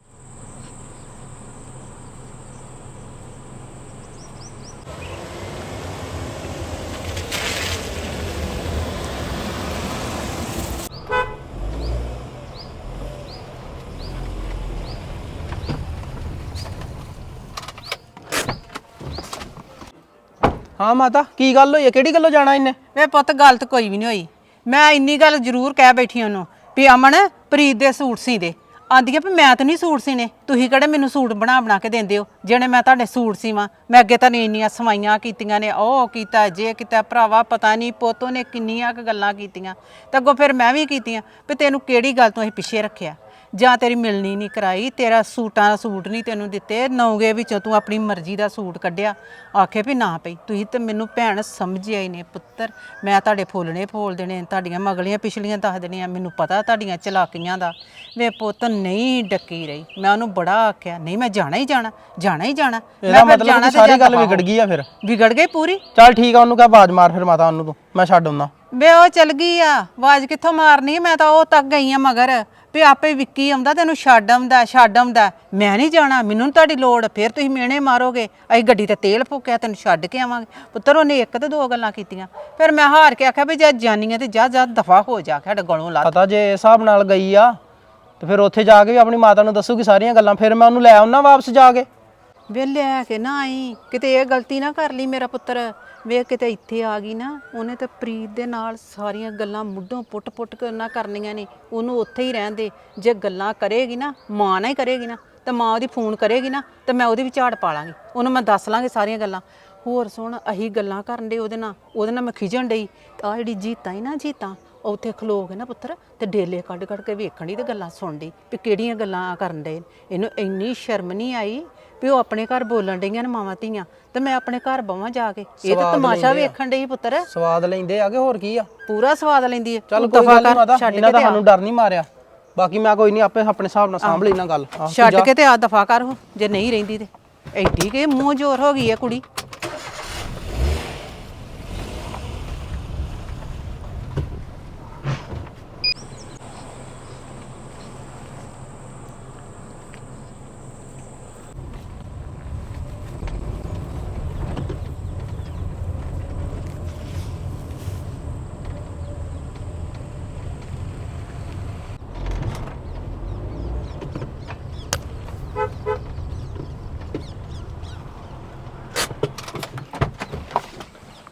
ਹਾਂ ਮਾਤਾ ਕੀ ਗੱਲ ਹੋਈ ਹੈ? ਕਿਹੜੀ ਗੱਲੋਂ ਜਾਣਾ ਇਹਨੇ?
ਵੇ ਪੁੱਤ ਗੱਲ ਤਾਂ ਕੋਈ ਵੀ ਨਹੀਂ ਹੋਈ। ਮੈਂ ਇੰਨੀ ਗੱਲ ਜ਼ਰੂਰ ਕਹਿ ਬੈਠੀ ਉਹਨੂੰ ਵੀ ਅਮਨ ਪ੍ਰੀਤ ਦੇ ਸੂਟ ਸੀ ਦੇ। ਆਂਦੀ ਆ ਵੀ ਮੈਂ ਤਾਂ ਨਹੀਂ ਸੂਟ ਸੀਨੇ, ਤੁਸੀਂ ਕਿਹੜੇ ਮੈਨੂੰ ਸੂਟ ਬਣਾ ਕੇ ਦਿੰਦੇ ਹੋ ਜਿਹੜੇ ਮੈਂ ਤੁਹਾਡੇ ਸੂਟ ਸੀਵਾਂ। ਮੈਂ ਅੱਗੇ ਤਾਂ ਇੰਨੀਆਂ ਸਵਾਈਆਂ ਕੀਤੀਆਂ ਨੇ, ਉਹ ਕੀਤਾ ਜੇ ਕੀਤਾ, ਭਰਾਵਾ ਪਤਾ ਨਹੀਂ ਪੋਤੋਂ ਨੇ ਕਿੰਨੀਆਂ ਕੁ ਗੱਲਾਂ ਕੀਤੀਆਂ ਤੇ ਅੱਗੋਂ ਫਿਰ ਮੈਂ ਵੀ ਕੀਤੀਆਂ ਵੀ ਤੈਨੂੰ ਕਿਹੜੀ ਗੱਲ ਤੋਂ ਅਸੀਂ ਪਿੱਛੇ ਰੱਖਿਆ, ਜਾਂ ਤੇਰੀ ਮਿਲਣੀ ਨਹੀਂ ਕਰਾਈ, ਤੇਰਾ ਸੂਟਾਂ ਦਾ ਸੂਟ ਨਹੀਂ ਤੈਨੂੰ ਦਿੱਤੇ, ਨੌਗੇ ਵਿੱਚੋਂ ਤੂੰ ਆਪਣੀ ਮਰਜ਼ੀ ਦਾ ਸੂਟ ਕੱਢਿਆ। ਆਖੇ ਵੀ ਨਾ ਪਈ ਤੁਸੀਂ ਤੇ ਮੈਨੂੰ ਭੈਣ ਸਮਝਿਆ ਹੀ ਨੇ ਪੁੱਤਰ। ਮੈਂ ਤੁਹਾਡੇ ਫੁੱਲਣੇ ਫੋਲ ਦੇਣੇ, ਤੁਹਾਡੀਆਂ ਮਗਲੀਆਂ ਪਿਛਲੀਆਂ ਦੱਸ ਦੇਣੀਆਂ, ਮੈਨੂੰ ਪਤਾ ਤੁਹਾਡੀਆਂ ਚਲਾਕੀਆਂ ਦਾ। ਵੇ ਪੁੱਤ ਨਹੀਂ ਡੱਕੀ ਰਹੀ, ਮੈਂ ਉਹਨੂੰ ਬੜਾ ਆਖਿਆ ਨਹੀਂ ਮੈਂ ਜਾਣਾ ਹੀ ਜਾਣਾ, ਜਾਣਾ ਹੀ ਜਾਣਾ।
ਇਹਦਾ ਮਤਲਬ ਕਿ ਸਾਰੀ ਗੱਲ ਵਿਗੜ ਗਈ ਆ? ਫਿਰ
ਵਿਗੜ ਗਈ ਪੂਰੀ।
ਚੱਲ ਠੀਕ ਆ, ਉਹਨੂੰ ਕਹਿ ਆਵਾਜ਼ ਮਾਰ ਫਿਰ ਮਾਤਾ ਉਹਨੂੰ, ਤੂੰ ਮੈਂ ਛੱਡ ਆਉਂਦਾ।
ਵੇ ਉਹ ਚਲ ਗਈ ਆ, ਆਵਾਜ਼ ਕਿੱਥੋਂ ਮਾਰਨੀ? ਮੈਂ ਤਾਂ ਉਹ ਤੱਕ ਗਈ ਆ ਮਗਰ ਵੀ ਆਪੇ ਵਿੱਕੀ ਆਉਂਦਾ ਤੈਨੂੰ ਛੱਡ ਆਉਂਦਾ, ਛੱਡ ਆਉਂਦਾ। ਮੈਂ ਨਹੀਂ ਜਾਣਾ, ਮੈਨੂੰ ਨੀ ਤੁਹਾਡੀ ਲੋੜ। ਫਿਰ ਤੁਸੀਂ ਮਿਹਣੇ ਮਾਰੋਗੇ ਅਸੀਂ ਗੱਡੀ ਤੇ ਤੇਲ ਫੂਕਿਆ ਤੈਨੂੰ ਛੱਡ ਕੇ ਆਵਾਂਗੇ। ਪੁੱਤਰ ਉਹਨੇ ਇੱਕ ਤੇ ਦੋ ਗੱਲਾਂ ਕੀਤੀਆਂ, ਫਿਰ ਮੈਂ ਹਾਰ ਕੇ ਆਖਿਆ ਵੀ ਜੇ ਜਾਨੀ ਆ ਤੇ ਜਾ ਜਾ ਦਫਾ ਹੋ ਜਾ, ਸਾਡੇ ਗਲੋਂ ਲਾ।
ਪਤਾ ਜੇ ਇਸ ਹਿਸਾਬ ਨਾਲ ਗਈ ਆ ਤੇ ਫਿਰ ਉੱਥੇ ਜਾ ਕੇ ਵੀ ਆਪਣੀ ਮਾਤਾ ਨੂੰ ਦੱਸੂਗੀ ਸਾਰੀਆਂ ਗੱਲਾਂ, ਫਿਰ ਮੈਂ ਉਹਨੂੰ ਲੈ ਆਉਣਾ ਵਾਪਸ ਜਾ ਕੇ।
ਵੇ ਲੈ ਕੇ ਨਾ ਆਈ, ਕਿਤੇ ਇਹ ਗਲਤੀ ਨਾ ਕਰ ਲਈ ਮੇਰਾ ਪੁੱਤਰ। ਵੇ ਕਿਤੇ ਇੱਥੇ ਆ ਗਈ ਨਾ, ਉਹਨੇ ਤਾਂ ਪ੍ਰੀਤ ਦੇ ਨਾਲ ਸਾਰੀਆਂ ਗੱਲਾਂ ਮੁੱਢੋਂ ਪੁੱਟ ਕੇ ਨਾ ਕਰਨੀਆਂ ਨੇ। ਉਹਨੂੰ ਉੱਥੇ ਹੀ ਰਹਿਣ ਦੇ। ਜੇ ਗੱਲਾਂ ਕਰੇਗੀ ਨਾ ਮਾਂ ਨਾਲ ਹੀ ਕਰੇਗੀ ਨਾ, ਤੇ ਮਾਂ ਉਹਦੀ ਫੋਨ ਕਰੇਗੀ ਨਾ, ਤੇ ਮੈਂ ਉਹਦੀ ਵੀ ਝਾੜ ਪਾ ਲਾਂਗੀ, ਉਹਨੂੰ ਮੈਂ ਦੱਸ ਲਾਂਗੀ ਸਾਰੀਆਂ ਗੱਲਾਂ। ਹੋਰ ਸੁਣ, ਅਸੀਂ ਗੱਲਾਂ ਕਰਨ ਦੇ ਉਹਦੇ ਨਾਲ ਮੈਂ ਖਿਜਣ ਡਈ। ਆਹ ਜਿਹੜੀ ਜੀਤਾਂ ਹੀ ਨਾ, ਜੀਤਾਂ ਉੱਥੇ ਖਲੋ ਕੇ ਨਾ ਪੁੱਤਰ ਤੇ ਡੇਲੇ ਕੱਢ ਕੇ ਵੇਖਣ ਦੀ ਤੇ ਗੱਲਾਂ ਸੁਣ ਡਈ ਵੀ ਕਿਹੜੀਆਂ ਗੱਲਾਂ ਕਰਨ ਡੇ। ਇਹਨੂੰ ਇੰਨੀ ਸ਼ਰਮ ਨਹੀਂ ਆਈ ਵੀ ਉਹ ਆਪਣੇ ਘਰ ਬੋਲਣ ਡਈਆਂ ਨੇ ਮਾਵਾਂ ਧੀਆਂ, ਤੇ ਮੈਂ ਆਪਣੇ ਘਰ ਬਵਾਂ ਜਾ ਕੇ। ਇਹ ਤਾਂ ਤਮਾਸ਼ਾ ਵੇਖਣ ਡਈ ਪੁੱਤਰ।
ਸਵਾਦ ਲੈਂਦੇ ਆ ਕਿ ਹੋਰ ਕੀ ਆ?
ਪੂਰਾ ਸਵਾਦ ਲੈਂਦੀ ਹੈ।
ਚੱਲ ਕੋਈ ਗੱਲ ਨਹੀਂ ਮਾਤਾ, ਇਹਨਾਂ ਦਾ ਸਾਨੂੰ ਡਰ ਨਹੀਂ ਮਾਰਿਆ। ਬਾਕੀ ਮੈਂ ਕੋਈ ਨਹੀਂ ਆਪੇ ਆਪਣੇ ਹਿਸਾਬ ਨਾਲ ਸਾਂਭ ਲੈਣਾ ਗੱਲ।
ਛੱਡ ਕੇ ਤੇ ਆ ਦਫਾ ਕਰ ਹੋ, ਜੇ ਨਹੀਂ ਰਹਿੰਦੀ ਤੇ। ਐਡੀ ਕਿ ਮੂੰਹ ਜ਼ੋਰ ਹੋ ਗਈ ਹੈ ਕੁੜੀ।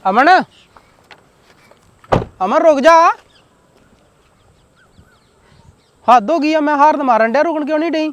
ਅਮਨ ਅਮਨ ਰੁਕ ਜਾ। ਹੱਦ ਹੋ ਗਈ ਆ, ਮੈਂ ਹਾਰਨ ਮਾਰਨ ਡਿਆ, ਰੁਕਣ ਕਿਉਂ ਨਹੀਂ ਡਈ?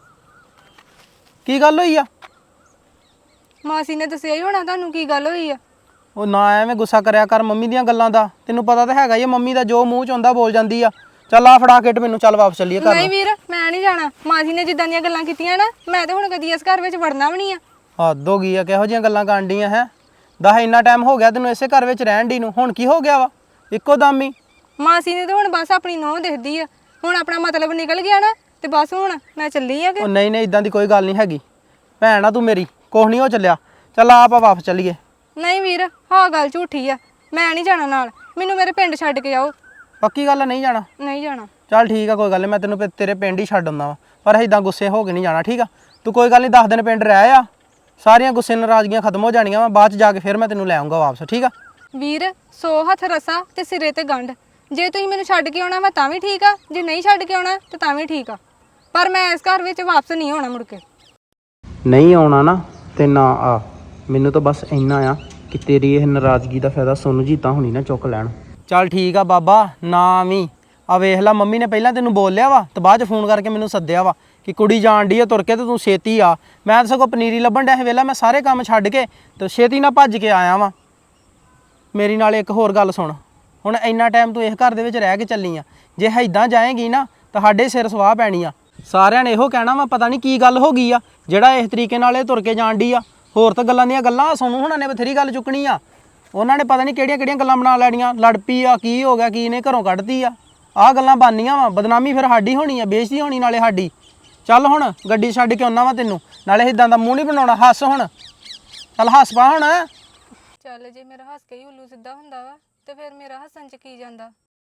ਕੀ ਗੱਲ ਹੋਈ ਆ?
ਮਾਸੀ ਨੇ ਦੱਸਿਆ ਹੀ ਹੋਣਾ ਤੁਹਾਨੂੰ ਕੀ ਗੱਲ ਹੋਈ ਆ।
ਉਹ ਨਾ ਐਵੇਂ ਗੁੱਸਾ ਕਰਿਆ ਕਰ ਮੰਮੀ ਦੀਆਂ ਗੱਲਾਂ ਦਾ, ਤੈਨੂੰ ਪਤਾ ਤਾਂ ਹੈਗਾ ਹੀ ਆ, ਮੰਮੀ ਦਾ ਜੋ ਮੂੰਹ ਚ ਆਉਂਦਾ ਬੋਲ ਜਾਂਦੀ ਆ। ਚੱਲ ਆ ਫੜਾ ਕਿਟ ਮੈਨੂੰ, ਚੱਲ ਵਾਪਸ ਚੱਲੀਏ ਘਰ
ਨਹੀਂ ਵੀਰ, ਮੈਂ ਨਹੀਂ ਜਾਣਾ। ਮਾਸੀ ਨੇ ਜਿੱਦਾਂ ਦੀਆਂ ਗੱਲਾਂ ਕੀਤੀਆਂ ਨਾ, ਮੈਂ ਤੇ ਹੁਣ ਕਦੀ ਇਸ ਘਰ ਵਿੱਚ ਵੜਨਾ ਵੀ ਨਹੀਂ ਆ।
ਹੱਦ ਹੋ ਗਈ ਆ, ਕਿਹੋ ਜਿਹੀਆਂ ਗੱਲਾਂ ਕਰਨ ਡੀਆਂ ਹੈ? ਦਸ ਇੰਨਾ ਟਾਈਮ ਹੋ ਗਿਆ ਤੈਨੂੰ ਇਸੇ ਘਰ ਵਿੱਚ ਰਹਿਣ ਦੀ ਨੂੰ, ਹੁਣ ਕੀ ਹੋ ਗਿਆ ਵਾ ਇੱਕੋ ਦਮ ਹੀ?
ਮਾਸੀ ਨੇ ਤਾਂ ਹੁਣ ਬਸ ਆਪਣੀ ਨੂੰਹ ਦਿਖਦੀ ਆ, ਹੁਣ ਆਪਣਾ ਮਤਲਬ ਨਿਕਲ ਗਿਆ ਨਾ, ਤੇ ਬਸ ਹੁਣ ਮੈਂ ਚੱਲੀ ਆ ਕਿ
ਉਹ ਨਹੀਂ ਨਹੀਂ, ਇਦਾਂ ਦੀ ਕੋਈ ਗੱਲ ਨਹੀਂ ਹੈਗੀ, ਭੈਣ ਆ ਤੂੰ ਮੇਰੀ, ਕੁਛ ਨਹੀਂ ਹੋ ਚੱਲਿਆ। ਚੱਲ ਆਪਾਂ ਵਾਪਸ ਚੱਲੀਏ।
ਨਹੀਂ ਵੀਰ, ਹਾਂ ਗੱਲ ਝੂਠੀ ਆ, ਮੈਂ ਨਹੀਂ ਜਾਣਾ ਨਾਲ। ਮੈਨੂੰ ਮੇਰੇ ਪਿੰਡ ਛੱਡ ਕੇ ਆਓ।
ਪੱਕੀ ਗੱਲ ਆ, ਨਹੀਂ ਜਾਣਾ?
ਨਹੀਂ ਜਾਣਾ।
ਚੱਲ ਠੀਕ ਆ, ਕੋਈ ਗੱਲ ਨਹੀਂ, ਮੈਂ ਤੈਨੂੰ ਤੇਰੇ ਪਿੰਡ ਹੀ ਛੱਡ ਆਉਂਦਾ ਵਾ, ਪਰ ਇਦਾਂ ਗੁੱਸੇ ਹੋ ਕੇ ਨਹੀਂ ਜਾਣਾ, ਠੀਕ ਆ? ਤੂੰ ਕੋਈ ਗੱਲ ਨਹੀਂ, 10 ਦਿਨ ਪਿੰਡ ਰਹਿ ਆ, ਸਾਰੀਆਂ ਗੁੱਸੇ ਨਾਰਾਜ਼ਗੀਆਂ ਖਤਮ ਹੋ ਜਾਣੀਆਂ ਵਾ, ਬਾਅਦ ਚ ਜਾ ਕੇ ਫਿਰ ਮੈਂ ਤੈਨੂੰ ਲੈ ਆਉਂਗਾ ਵਾਪਸ, ਠੀਕ ਆ?
ਵੀਰ 100 ਹੱਥ ਰਸਾ ਤੇ ਸਿਰੇ ਤੇ ਗੰਢ। ਜੇ ਤੁਸੀਂ ਮੈਨੂੰ ਛੱਡ ਕੇ ਆਉਣਾ ਵਾ ਤਾਂ ਵੀ ਠੀਕ ਆ, ਜੇ ਨਹੀਂ ਛੱਡ ਕੇ ਆਉਣਾ ਤੇ ਤਾਂ ਵੀ ਠੀਕ ਆ, ਪਰ ਮੈਂ ਇਸ ਘਰ ਵਿੱਚ ਵਾਪਸ ਨਹੀਂ ਆਉਣਾ ਮੁੜ ਕੇ।
ਨਹੀਂ ਆਉਣਾ ਨਾ ਤੇ ਨਾ ਆ, ਮੈਨੂੰ ਤਾਂ ਬਸ ਇੰਨਾ ਆ ਕਿ ਤੇਰੀ ਇਹ ਨਾਰਾਜ਼ਗੀ ਦਾ ਫਾਇਦਾ ਸੋਨੂੰ ਜੀਤਾ ਹੁਣੀ ਨਾ ਚੁੱਕ ਲੈਣ। ਚੱਲ ਠੀਕ ਆ ਬਾਬਾ, ਨਾ ਵੀ ਆ ਵੇਖ ਲੈ, ਮੰਮੀ ਨੇ ਪਹਿਲਾਂ ਤੈਨੂੰ ਬੋਲਿਆ ਵਾ ਤੇ ਬਾਅਦ ਚ ਫੋਨ ਕਰਕੇ ਮੈਨੂੰ ਸੱਦਿਆ ਵਾ ਕਿ ਕੁੜੀ ਜਾਣ ਡਈ ਆ ਤੁਰ ਕੇ ਤੇ ਤੂੰ ਛੇਤੀ ਆ। ਮੈਂ ਤਾਂ ਸਗੋਂ ਪਨੀਰੀ ਲੱਭਣ ਡਿਆ ਸੀ, ਵੇਲਾ ਮੈਂ ਸਾਰੇ ਕੰਮ ਛੱਡ ਕੇ ਤੇ ਛੇਤੀ ਨਾਲ ਭੱਜ ਕੇ ਆਇਆ ਵਾਂ। ਮੇਰੀ ਨਾਲ ਇੱਕ ਹੋਰ ਗੱਲ ਸੁਣ, ਹੁਣ ਇੰਨਾ ਟਾਈਮ ਤੂੰ ਇਸ ਘਰ ਦੇ ਵਿੱਚ ਰਹਿ ਕੇ ਚੱਲੀ ਆ, ਜੇ ਇੱਦਾਂ ਜਾਏਗੀ ਨਾ ਤੁਹਾਡੇ ਸਿਰ ਸਵਾਹ ਪੈਣੀ ਆ। ਸਾਰਿਆਂ ਨੇ ਇਹੋ ਕਹਿਣਾ ਵਾ ਪਤਾ ਨਹੀਂ ਕੀ ਗੱਲ ਹੋ ਗਈ ਆ ਜਿਹੜਾ ਇਸ ਤਰੀਕੇ ਨਾਲ ਇਹ ਤੁਰ ਕੇ ਜਾਣ ਡਈ ਆ। ਹੋਰ ਤਾਂ ਗੱਲਾਂ ਦੀਆਂ ਗੱਲਾਂ, ਸੋਨੂੰ ਹੁਣਾਂ ਨੇ ਬਥੇਰੀ ਗੱਲ ਚੁੱਕਣੀ ਆ, ਉਹਨਾਂ ਨੇ ਪਤਾ ਨਹੀਂ ਕਿਹੜੀਆਂ ਕਿਹੜੀਆਂ ਗੱਲਾਂ ਬਣਾ ਲੈਣੀਆਂ, ਲੜ ਪਈ ਆ, ਕੀ ਹੋ ਗਿਆ, ਕੀ ਨੇ ਘਰੋਂ ਕੱਢਤੀ ਆ, ਆਹ ਗੱਲਾਂ ਬਣਨੀਆਂ ਵਾ, ਬਦਨਾਮੀ ਫਿਰ ਸਾਡੀ ਹੋਣੀ ਆ, ਬੇਇੱਜ਼ਤੀ ਹੋਣੀ ਨਾਲੇ ਸਾਡੀ। ਚੱਲ ਹੁਣ ਗੱਡੀ ਛੱਡ ਕੇ ਆਉਣਾ ਵਾ ਤੈਨੂੰ, ਨਾਲੇ ਇਦਾਂ ਦਾ ਮੂੰਹ ਨਹੀਂ ਬਣਾਉਣਾ, ਹੱਸ ਹੁਣ, ਚੱਲ ਹੱਸ ਪਾ ਹੁਣ।
ਚੱਲ ਜੇ ਮੇਰਾ ਹੱਸ ਕੇ ਹੀ ਉੱਲੂ ਸਿੱਧਾ ਹੁੰਦਾ ਵਾ ਤੇ ਫਿਰ ਮੇਰਾ ਹੱਸਣ ਚ ਕੀ ਜਾਂਦਾ।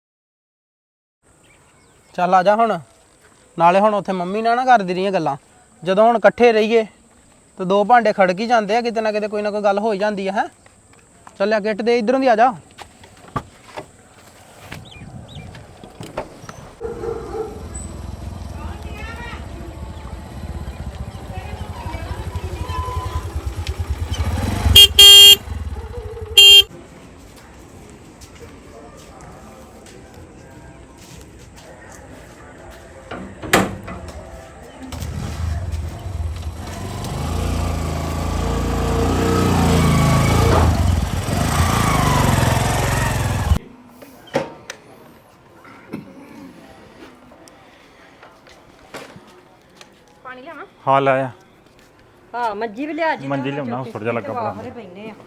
ਚੱਲ ਆ ਜਾ ਹੁਣ, ਨਾਲੇ ਹੁਣ ਉੱਥੇ ਮੰਮੀ ਨਾਲ ਨਾ ਕਰਦੀ ਰਹੀਆਂ ਗੱਲਾਂ, ਜਦੋਂ ਹੁਣ ਇਕੱਠੇ ਰਹੀਏ ਤੇ ਦੋ ਭਾਂਡੇ ਖੜਕ ਹੀ ਜਾਂਦੇ ਆ, ਕਿਤੇ ਨਾ ਕਿਤੇ ਕੋਈ ਨਾ ਕੋਈ ਗੱਲ ਹੋ ਹੀ ਜਾਂਦੀ ਆ। ਹੈ ਚੱਲਿਆ ਗਿੱਟ ਦੇ, ਇਧਰੋਂ ਦੀ ਆ ਜਾ।
ਹਾਂ ਲਾਇਆ
ਹਾਂ ਮੰਜੀ ਵੀ ਲਿਆ ਜੀ।
ਮੰਜੀ ਲਿਆਉਣਾ, ਥੋੜਾ ਜਿਹਾ ਲੱਗਾ ਪੜਾ।
ਪੈਨੇ ਆ।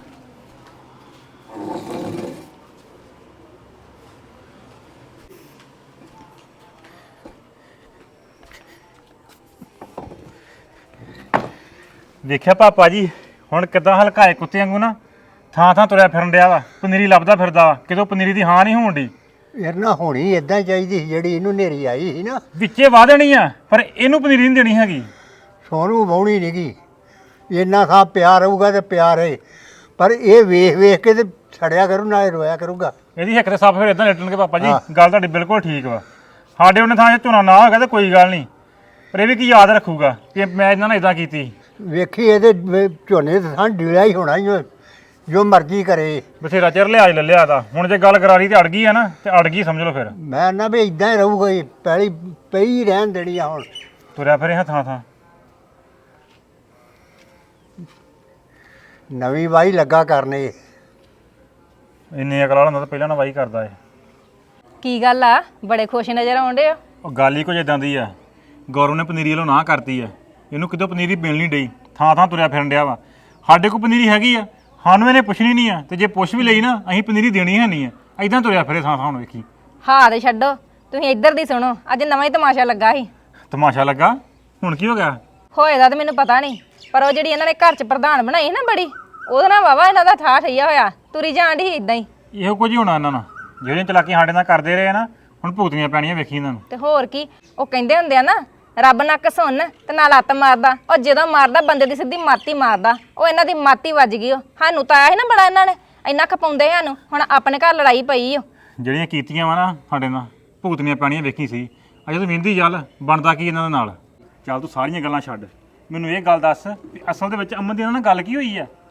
ਵੇਖਿਆ ਪਾਪਾ ਜੀ ਹੁਣ ਕਿਦਾਂ ਹਲਕਾਏ ਕੁੱਤੇ ਵਾਂਗੂ ਨਾ ਥਾਂ ਥਾਂ ਤੁਰਿਆ ਫਿਰਨ ਡਿਆ ਵਾ, ਪਨੀਰੀ ਲੱਭਦਾ ਫਿਰਦਾ ਵਾ, ਕਿਤੋਂ ਪਨੀਰੀ ਦੀ ਹਾਂ ਨਹੀਂ ਹੋਣ ਡਈ।
ਯਾਰ ਨਾ ਹੋਣੀ ਇਦਾਂ ਚਾਹੀਦੀ ਸੀ, ਜਿਹੜੀ ਇਹਨੂੰ ਨੇਰੀ ਆਈ ਸੀ ਨਾ,
ਵਿੱਚੇ ਵਾਹ ਦੇਣੀ ਆ, ਪਰ ਇਹਨੂੰ ਪਨੀਰੀ ਨਹੀਂ ਦੇਣੀ ਹੈਗੀ।
ਸੋਨੂੰ ਵਾਹੁਣੀ ਨਹੀਂ ਗੀ, ਇੰਨਾ ਥਾਂ ਪਿਆਰ ਰਹੂਗਾ ਤੇ ਪਿਆਰ ਹੈ, ਪਰ ਇਹ ਵੇਖ ਵੇਖ ਕੇ ਤੇ ਛੜਿਆ ਕਰੂ ਨਾਲੇ ਰੋਇਆ ਕਰੂਗਾ।
ਇਹਦੀ ਹਿੱਕ ਤੇ ਸੱਪ ਫਿਰ ਇਦਾਂ ਲੇਟਣਗੇ ਪਾਪਾ ਜੀ, ਗੱਲ ਤੁਹਾਡੀ ਬਿਲਕੁਲ ਠੀਕ ਵਾ। ਸਾਡੇ ਉਹਨੇ ਥਾਂ 'ਚ ਝੋਨਾ ਨਾ ਹੋਗਾ ਤੇ ਕੋਈ ਗੱਲ ਨਹੀਂ, ਪਰ ਇਹ ਵੀ ਕੀ ਯਾਦ ਰੱਖੂਗਾ ਕਿ ਮੈਂ ਇਹਨਾਂ ਨਾਲ ਇਦਾਂ ਕੀਤੀ।
ਵੇਖੀ ਇਹਦੇ ਝੋਨੇ ਤੇ ਥਾਂ ਡੀਲਾ ਹੀ ਹੋਣਾ ਹੀ, ਜੋ ਮਰਜ਼ੀ ਕਰੇ।
ਬਥੇਰਾ ਚਿਰ ਲਿਆਜ ਲੈ ਲਿਆ ਦਾ, ਹੁਣ ਜੇ ਗੱਲ ਕਰਾਰੀ ਤੇ ਅੜ ਗਈ ਆ ਨਾ, ਤੇ ਅੜ ਗਈ ਸਮਝ ਲਓ ਫਿਰ।
ਮੈਂ ਨਾ ਵੀ ਇਦਾਂ ਹੀ ਰਹੂਗਾ, ਪਹਿਲੀ ਪਈ ਰਹਿਣ ਦੇਣੀ ਆ। ਹੁਣ
ਤੁਰਿਆ ਫਿਰ ਇਹ ਥਾਂ ਥਾਂ
ਨਵੀਂ ਵਾਹੀ ਲੱਗਾ ਕਰਨੇ।
ਇੰਨੇ ਅਕਲ ਵਾਲਾ ਹੁੰਦਾ ਤਾਂ ਪਹਿਲਾਂ ਨਾ ਵਾਹੀ ਕਰਦਾ ਏ।
ਕੀ ਗੱਲ ਆ, ਬੜੇ ਖੁਸ਼ ਨਜ਼ਰ ਆਉਂਦੇ ਆ।
ਉਹ ਗੱਲ ਹੀ ਕੁਝ ਇਦਾਂ ਦੀ ਆ, ਗੌਰਵ ਨੇ ਪਨੀਰੀ ਵੱਲੋਂ ਨਾ ਕਰਤੀ ਆ, ਇਹਨੂੰ ਕਿਤੋਂ ਪਨੀਰੀ ਮਿਲ ਨਹੀਂ ਡਈ, ਥਾਂ ਥਾਂ ਤੁਰਿਆ ਫਿਰਨ ਡਿਆ ਵਾ। ਸਾਡੇ ਕੋਲ ਪਨੀਰੀ ਹੈਗੀ ਆ, ਸਾਨੂੰ ਇਹਨੇ ਪੁੱਛਣੀ ਨਹੀਂ ਆ, ਤੇ ਜੇ ਪੁੱਛ ਵੀ ਲਈ ਨਾ ਅਸੀਂ ਪਨੀਰੀ ਦੇਣੀ ਹੈ ਨਹੀਂ ਆ, ਐਦਾਂ ਤੁਰਿਆ ਫਿਰੇ ਥਾਂ ਥਾਂ। ਹੁਣ ਵੇਖੀ
ਹਾਂ ਤੇ ਛੱਡੋ, ਤੁਸੀਂ ਇੱਧਰ ਦੀ ਸੁਣੋ। ਅੱਜ ਨਵਾਂ ਹੀ ਤਮਾਸ਼ਾ ਲੱਗਾ ਸੀ।
ਤਮਾਸ਼ਾ ਲੱਗਾ, ਹੁਣ ਕੀ ਹੋ ਗਿਆ?
ਹੋਏਦਾ ਤਾਂ ਮੈਨੂੰ ਪਤਾ ਨਹੀਂ, ਪਰ ਉਹ ਜਿਹੜੀ ਇਹਨਾਂ ਨੇ ਘਰ 'ਚ ਪ੍ਰਧਾਨ ਬਣਾਈ ਨਾ ਬੜੀ, ਉਹਦੇ ਨਾਲ ਵਾਵਾ ਇਹਨਾਂ ਦਾ ਠਾਠ ਠਈਆ ਹੋਇਆ, ਤੁਰੀ ਜਾਣ ਦੀ ਇਦਾਂ ਹੀ।
ਇਹੋ ਕੁਝ ਹੀ ਹੋਣਾ ਇਹਨਾਂ ਨਾਲ, ਜਿਹੜੀਆਂ ਚਲਾਕੀਆਂ ਸਾਡੇ ਨਾਲ ਕਰਦੇ ਰਹੇ ਨਾ, ਹੁਣ ਭੁਗਤਣੀਆਂ ਪੈਣੀਆਂ ਵੇਖੀ ਇਹਨਾਂ ਨੂੰ।
ਤੇ ਹੋਰ ਕੀ, ਉਹ ਕਹਿੰਦੇ ਹੁੰਦੇ ਆ ਨਾ, ਰੱਬ ਨਾ ਘਸੁੰਨ ਤੇ ਨਾ ਲੱਤ ਮਾਰਦਾ, ਉਹ ਜਦੋਂ ਮਾਰਦਾ ਬੰਦੇ ਦੀ ਸਿੱਧੀ ਮਾਤੀ ਮਾਰਦਾ। ਉਹ ਇਹਨਾਂ ਦੀ ਮਾਤੀ ਵੱਜ ਗਈ। ਉਹ ਸਾਨੂੰ ਤਾਂ ਆਇਆ ਸੀ ਨਾ ਬੜਾ, ਇਹਨਾਂ ਨੇ ਇੰਨਾ ਖਪਾਉਂਦੇ ਸਾਨੂੰ, ਹੁਣ ਆਪਣੇ ਘਰ ਲੜਾਈ ਪਈ ਓ।
ਜਿਹੜੀਆਂ ਕੀਤੀਆਂ ਵਾ ਨਾ ਸਾਡੇ ਨਾਲ, ਭੁਗਤਣੀਆਂ ਪੈਣੀਆਂ ਵੇਖੀ ਸੀ। ਅਜੇ ਤੂੰ ਵਿੰਦੀ ਚੱਲ, ਬਣਦਾ ਕੀ ਇਹਨਾਂ ਦੇ ਨਾਲ। ਚੱਲ ਤੂੰ ਸਾਰੀਆਂ ਗੱਲਾਂ ਛੱਡ, ਮੈਨੂੰ ਇਹ ਗੱਲ ਦੱਸ ਵੀ ਅਸਲ ਦੇ ਵਿੱਚ ਅਮਨ ਦੀ ਇਹਨਾਂ ਨਾਲ ਗੱਲ ਕੀ ਹੋਈ ਆ?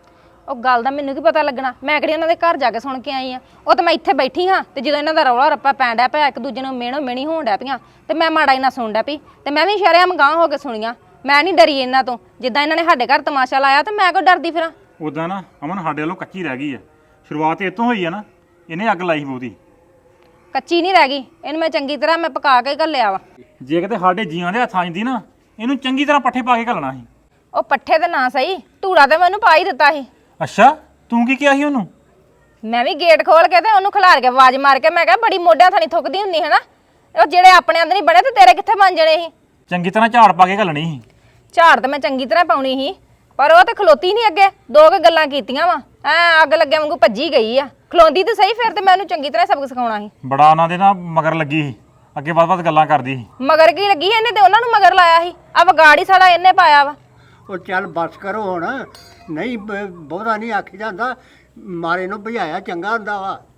ਉਹ ਗੱਲ ਦਾ ਮੈਨੂੰ ਕੀ ਪਤਾ ਲੱਗਣਾ, ਮੈਂ ਕਿਹੜੀ ਉਹਨਾਂ ਦੇ ਘਰ ਜਾ ਕੇ ਸੁਣ ਕੇ ਆਈ ਆ। ਉਹ ਤਾਂ ਮੈਂ ਇੱਥੇ ਬੈਠੀ ਹਾਂ ਤੇ ਜਦੋਂ ਇਹਨਾਂ ਦਾ ਰੌਲਾ ਰੱਪਾ ਪੈਣ ਡਿਆ ਪਿਆ, ਇੱਕ ਦੂਜੇ ਨੂੰ ਮਿਹਣੋ ਮਿਹਣੀ ਹੋਣ ਡਿਆ ਪਈਆਂ ਤੇ ਮੈਂ ਮਾੜਾ ਹੀ ਨਾ ਸੁਣ ਡਿਆ ਪਈ ਤੇ ਮੈਂ ਵੀ ਸ਼ਰੇਆਮ ਗਾਂਹ ਹੋ ਕੇ ਸੁਣੀਆਂ। ਮੈਂ ਨਹੀਂ ਡਰੀ ਇਹਨਾਂ ਤੋਂ, ਜਿੱਦਾਂ ਇਹਨਾਂ ਨੇ ਸਾਡੇ ਘਰ ਤਮਾਸ਼ਾ ਲਾਇਆ ਤੇ ਮੈਂ ਕਿਉਂ ਡਰਦੀ ਫਿਰਾਂ।
ਉਦਾਂ ਨਾ ਅਮਨ ਸਾਡੇ ਵੱਲੋਂ ਕੱਚੀ ਰਹਿ ਗਈ ਆ, ਸ਼ੁਰੂਆਤ ਇਹ ਤੋਂ ਹੋਈ ਆ ਨਾ, ਇਹਨੇ ਅੱਗ ਲਾਈ ਬਹੁਤੀ।
ਕੱਚੀ ਨਹੀਂ ਰਹਿ ਗਈ, ਇਹਨੂੰ ਮੈਂ ਚੰਗੀ ਤਰ੍ਹਾਂ ਮੈਂ ਪਕਾ ਕੇ ਘੱਲਿਆ ਵਾ।
ਜੇ ਕਿਤੇ ਸਾਡੇ ਜੀਆਂ ਦੇ ਹੱਥਾਂ 'ਚ ਦੀ ਨਾ, ਇਹਨੂੰ ਚੰਗੀ ਤਰ੍ਹਾਂ ਪੱਠੇ ਪਾ ਕੇ ਘੱਲਣਾ ਸੀ।
ਉਹ ਪੱਠੇ ਤੇ ਨਾ ਸਹੀ, ਧੂੜਾ ਤੇ ਮੈਨੂੰ ਪਾ ਹੀ ਦਿੱਤਾ ਸੀ।
ਅੱਛਾ, ਤੂੰ ਕੀ ਕਿਹਾ ਸੀ ਉਹਨੂੰ?
ਮੈਂ ਵੀ ਗੇਟ ਖੋਲ ਕੇ ਤੇ ਉਹਨੂੰ ਖਿਲਾਰ ਕੇ ਆਵਾਜ਼ ਮਾਰ ਕੇ ਮੈਂ ਕਿਹਾ ਬੜੀ ਮੋਢਿਆਂ ਥਾਣੀ ਥੁੱਕਦੀ ਹੁੰਦੀ ਹੈ ਨਾ, ਉਹ ਜਿਹੜੇ ਆਪਣੇ ਅੰਦਰ ਨਹੀਂ ਬਣੇ ਤੇ ਤੇਰੇ ਕਿੱਥੇ ਬਣ ਜਣੇ ਸੀ।
ਚੰਗੀ ਤਰ੍ਹਾਂ ਝਾੜ ਪਾ ਕੇ ਘੱਲਣੀ ਸੀ।
ਝਾੜ ਤੇ ਮੈਂ ਚੰਗੀ ਤਰ੍ਹਾਂ ਪਾਉਣੀ ਸੀ, ਪਰ ਉਹ ਤੇ ਖਲੋਤੀ ਨਹੀਂ ਅੱਗੇ। ਦੋ ਕੁ ਗੱਲਾਂ ਕੀਤੀਆਂ ਵਾ, ਐ ਅੱਗ ਲੱਗਿਆ ਵਾਂਗੂ ਭੱਜੀ ਗਈ ਆ। ਖਲੋਂਦੀ ਤੇ ਸਹੀ, ਫਿਰ ਤੇ ਮੈਂ ਉਹਨੂੰ ਚੰਗੀ ਤਰ੍ਹਾਂ ਸਬਕ ਸਿਖਾਉਣਾ ਸੀ।
ਬੜਾ ਉਹਨਾਂ ਦੇ ਨਾ ਮਗਰ ਲੱਗੀ ਸੀ, ਅੱਗੇ ਵੱਧ-ਵੱਧ ਗੱਲਾਂ ਕਰਦੀ ਸੀ।
ਮਗਰ ਕੀ ਲੱਗੀ, ਇਹਨੇ ਤੇ ਉਹਨਾਂ ਨੂੰ ਮਗਰ ਲਾਇਆ ਸੀ। ਆ ਵਿਗਾੜੀ ਸਾਲਾ ਇਹਨੇ ਪਾਇਆ ਵਾ।
ਉਹ ਚੱਲ ਬਸ ਕਰੋ ਹੁਣ, ਨਹੀਂ ਬਹੁਤਾ ਨਹੀਂ ਆਖੀ ਜਾਂਦਾ, ਮਾਰੇ ਨੂੰ ਭਜਾਇਆ ਚੰਗਾ ਹੁੰਦਾ ਵਾ।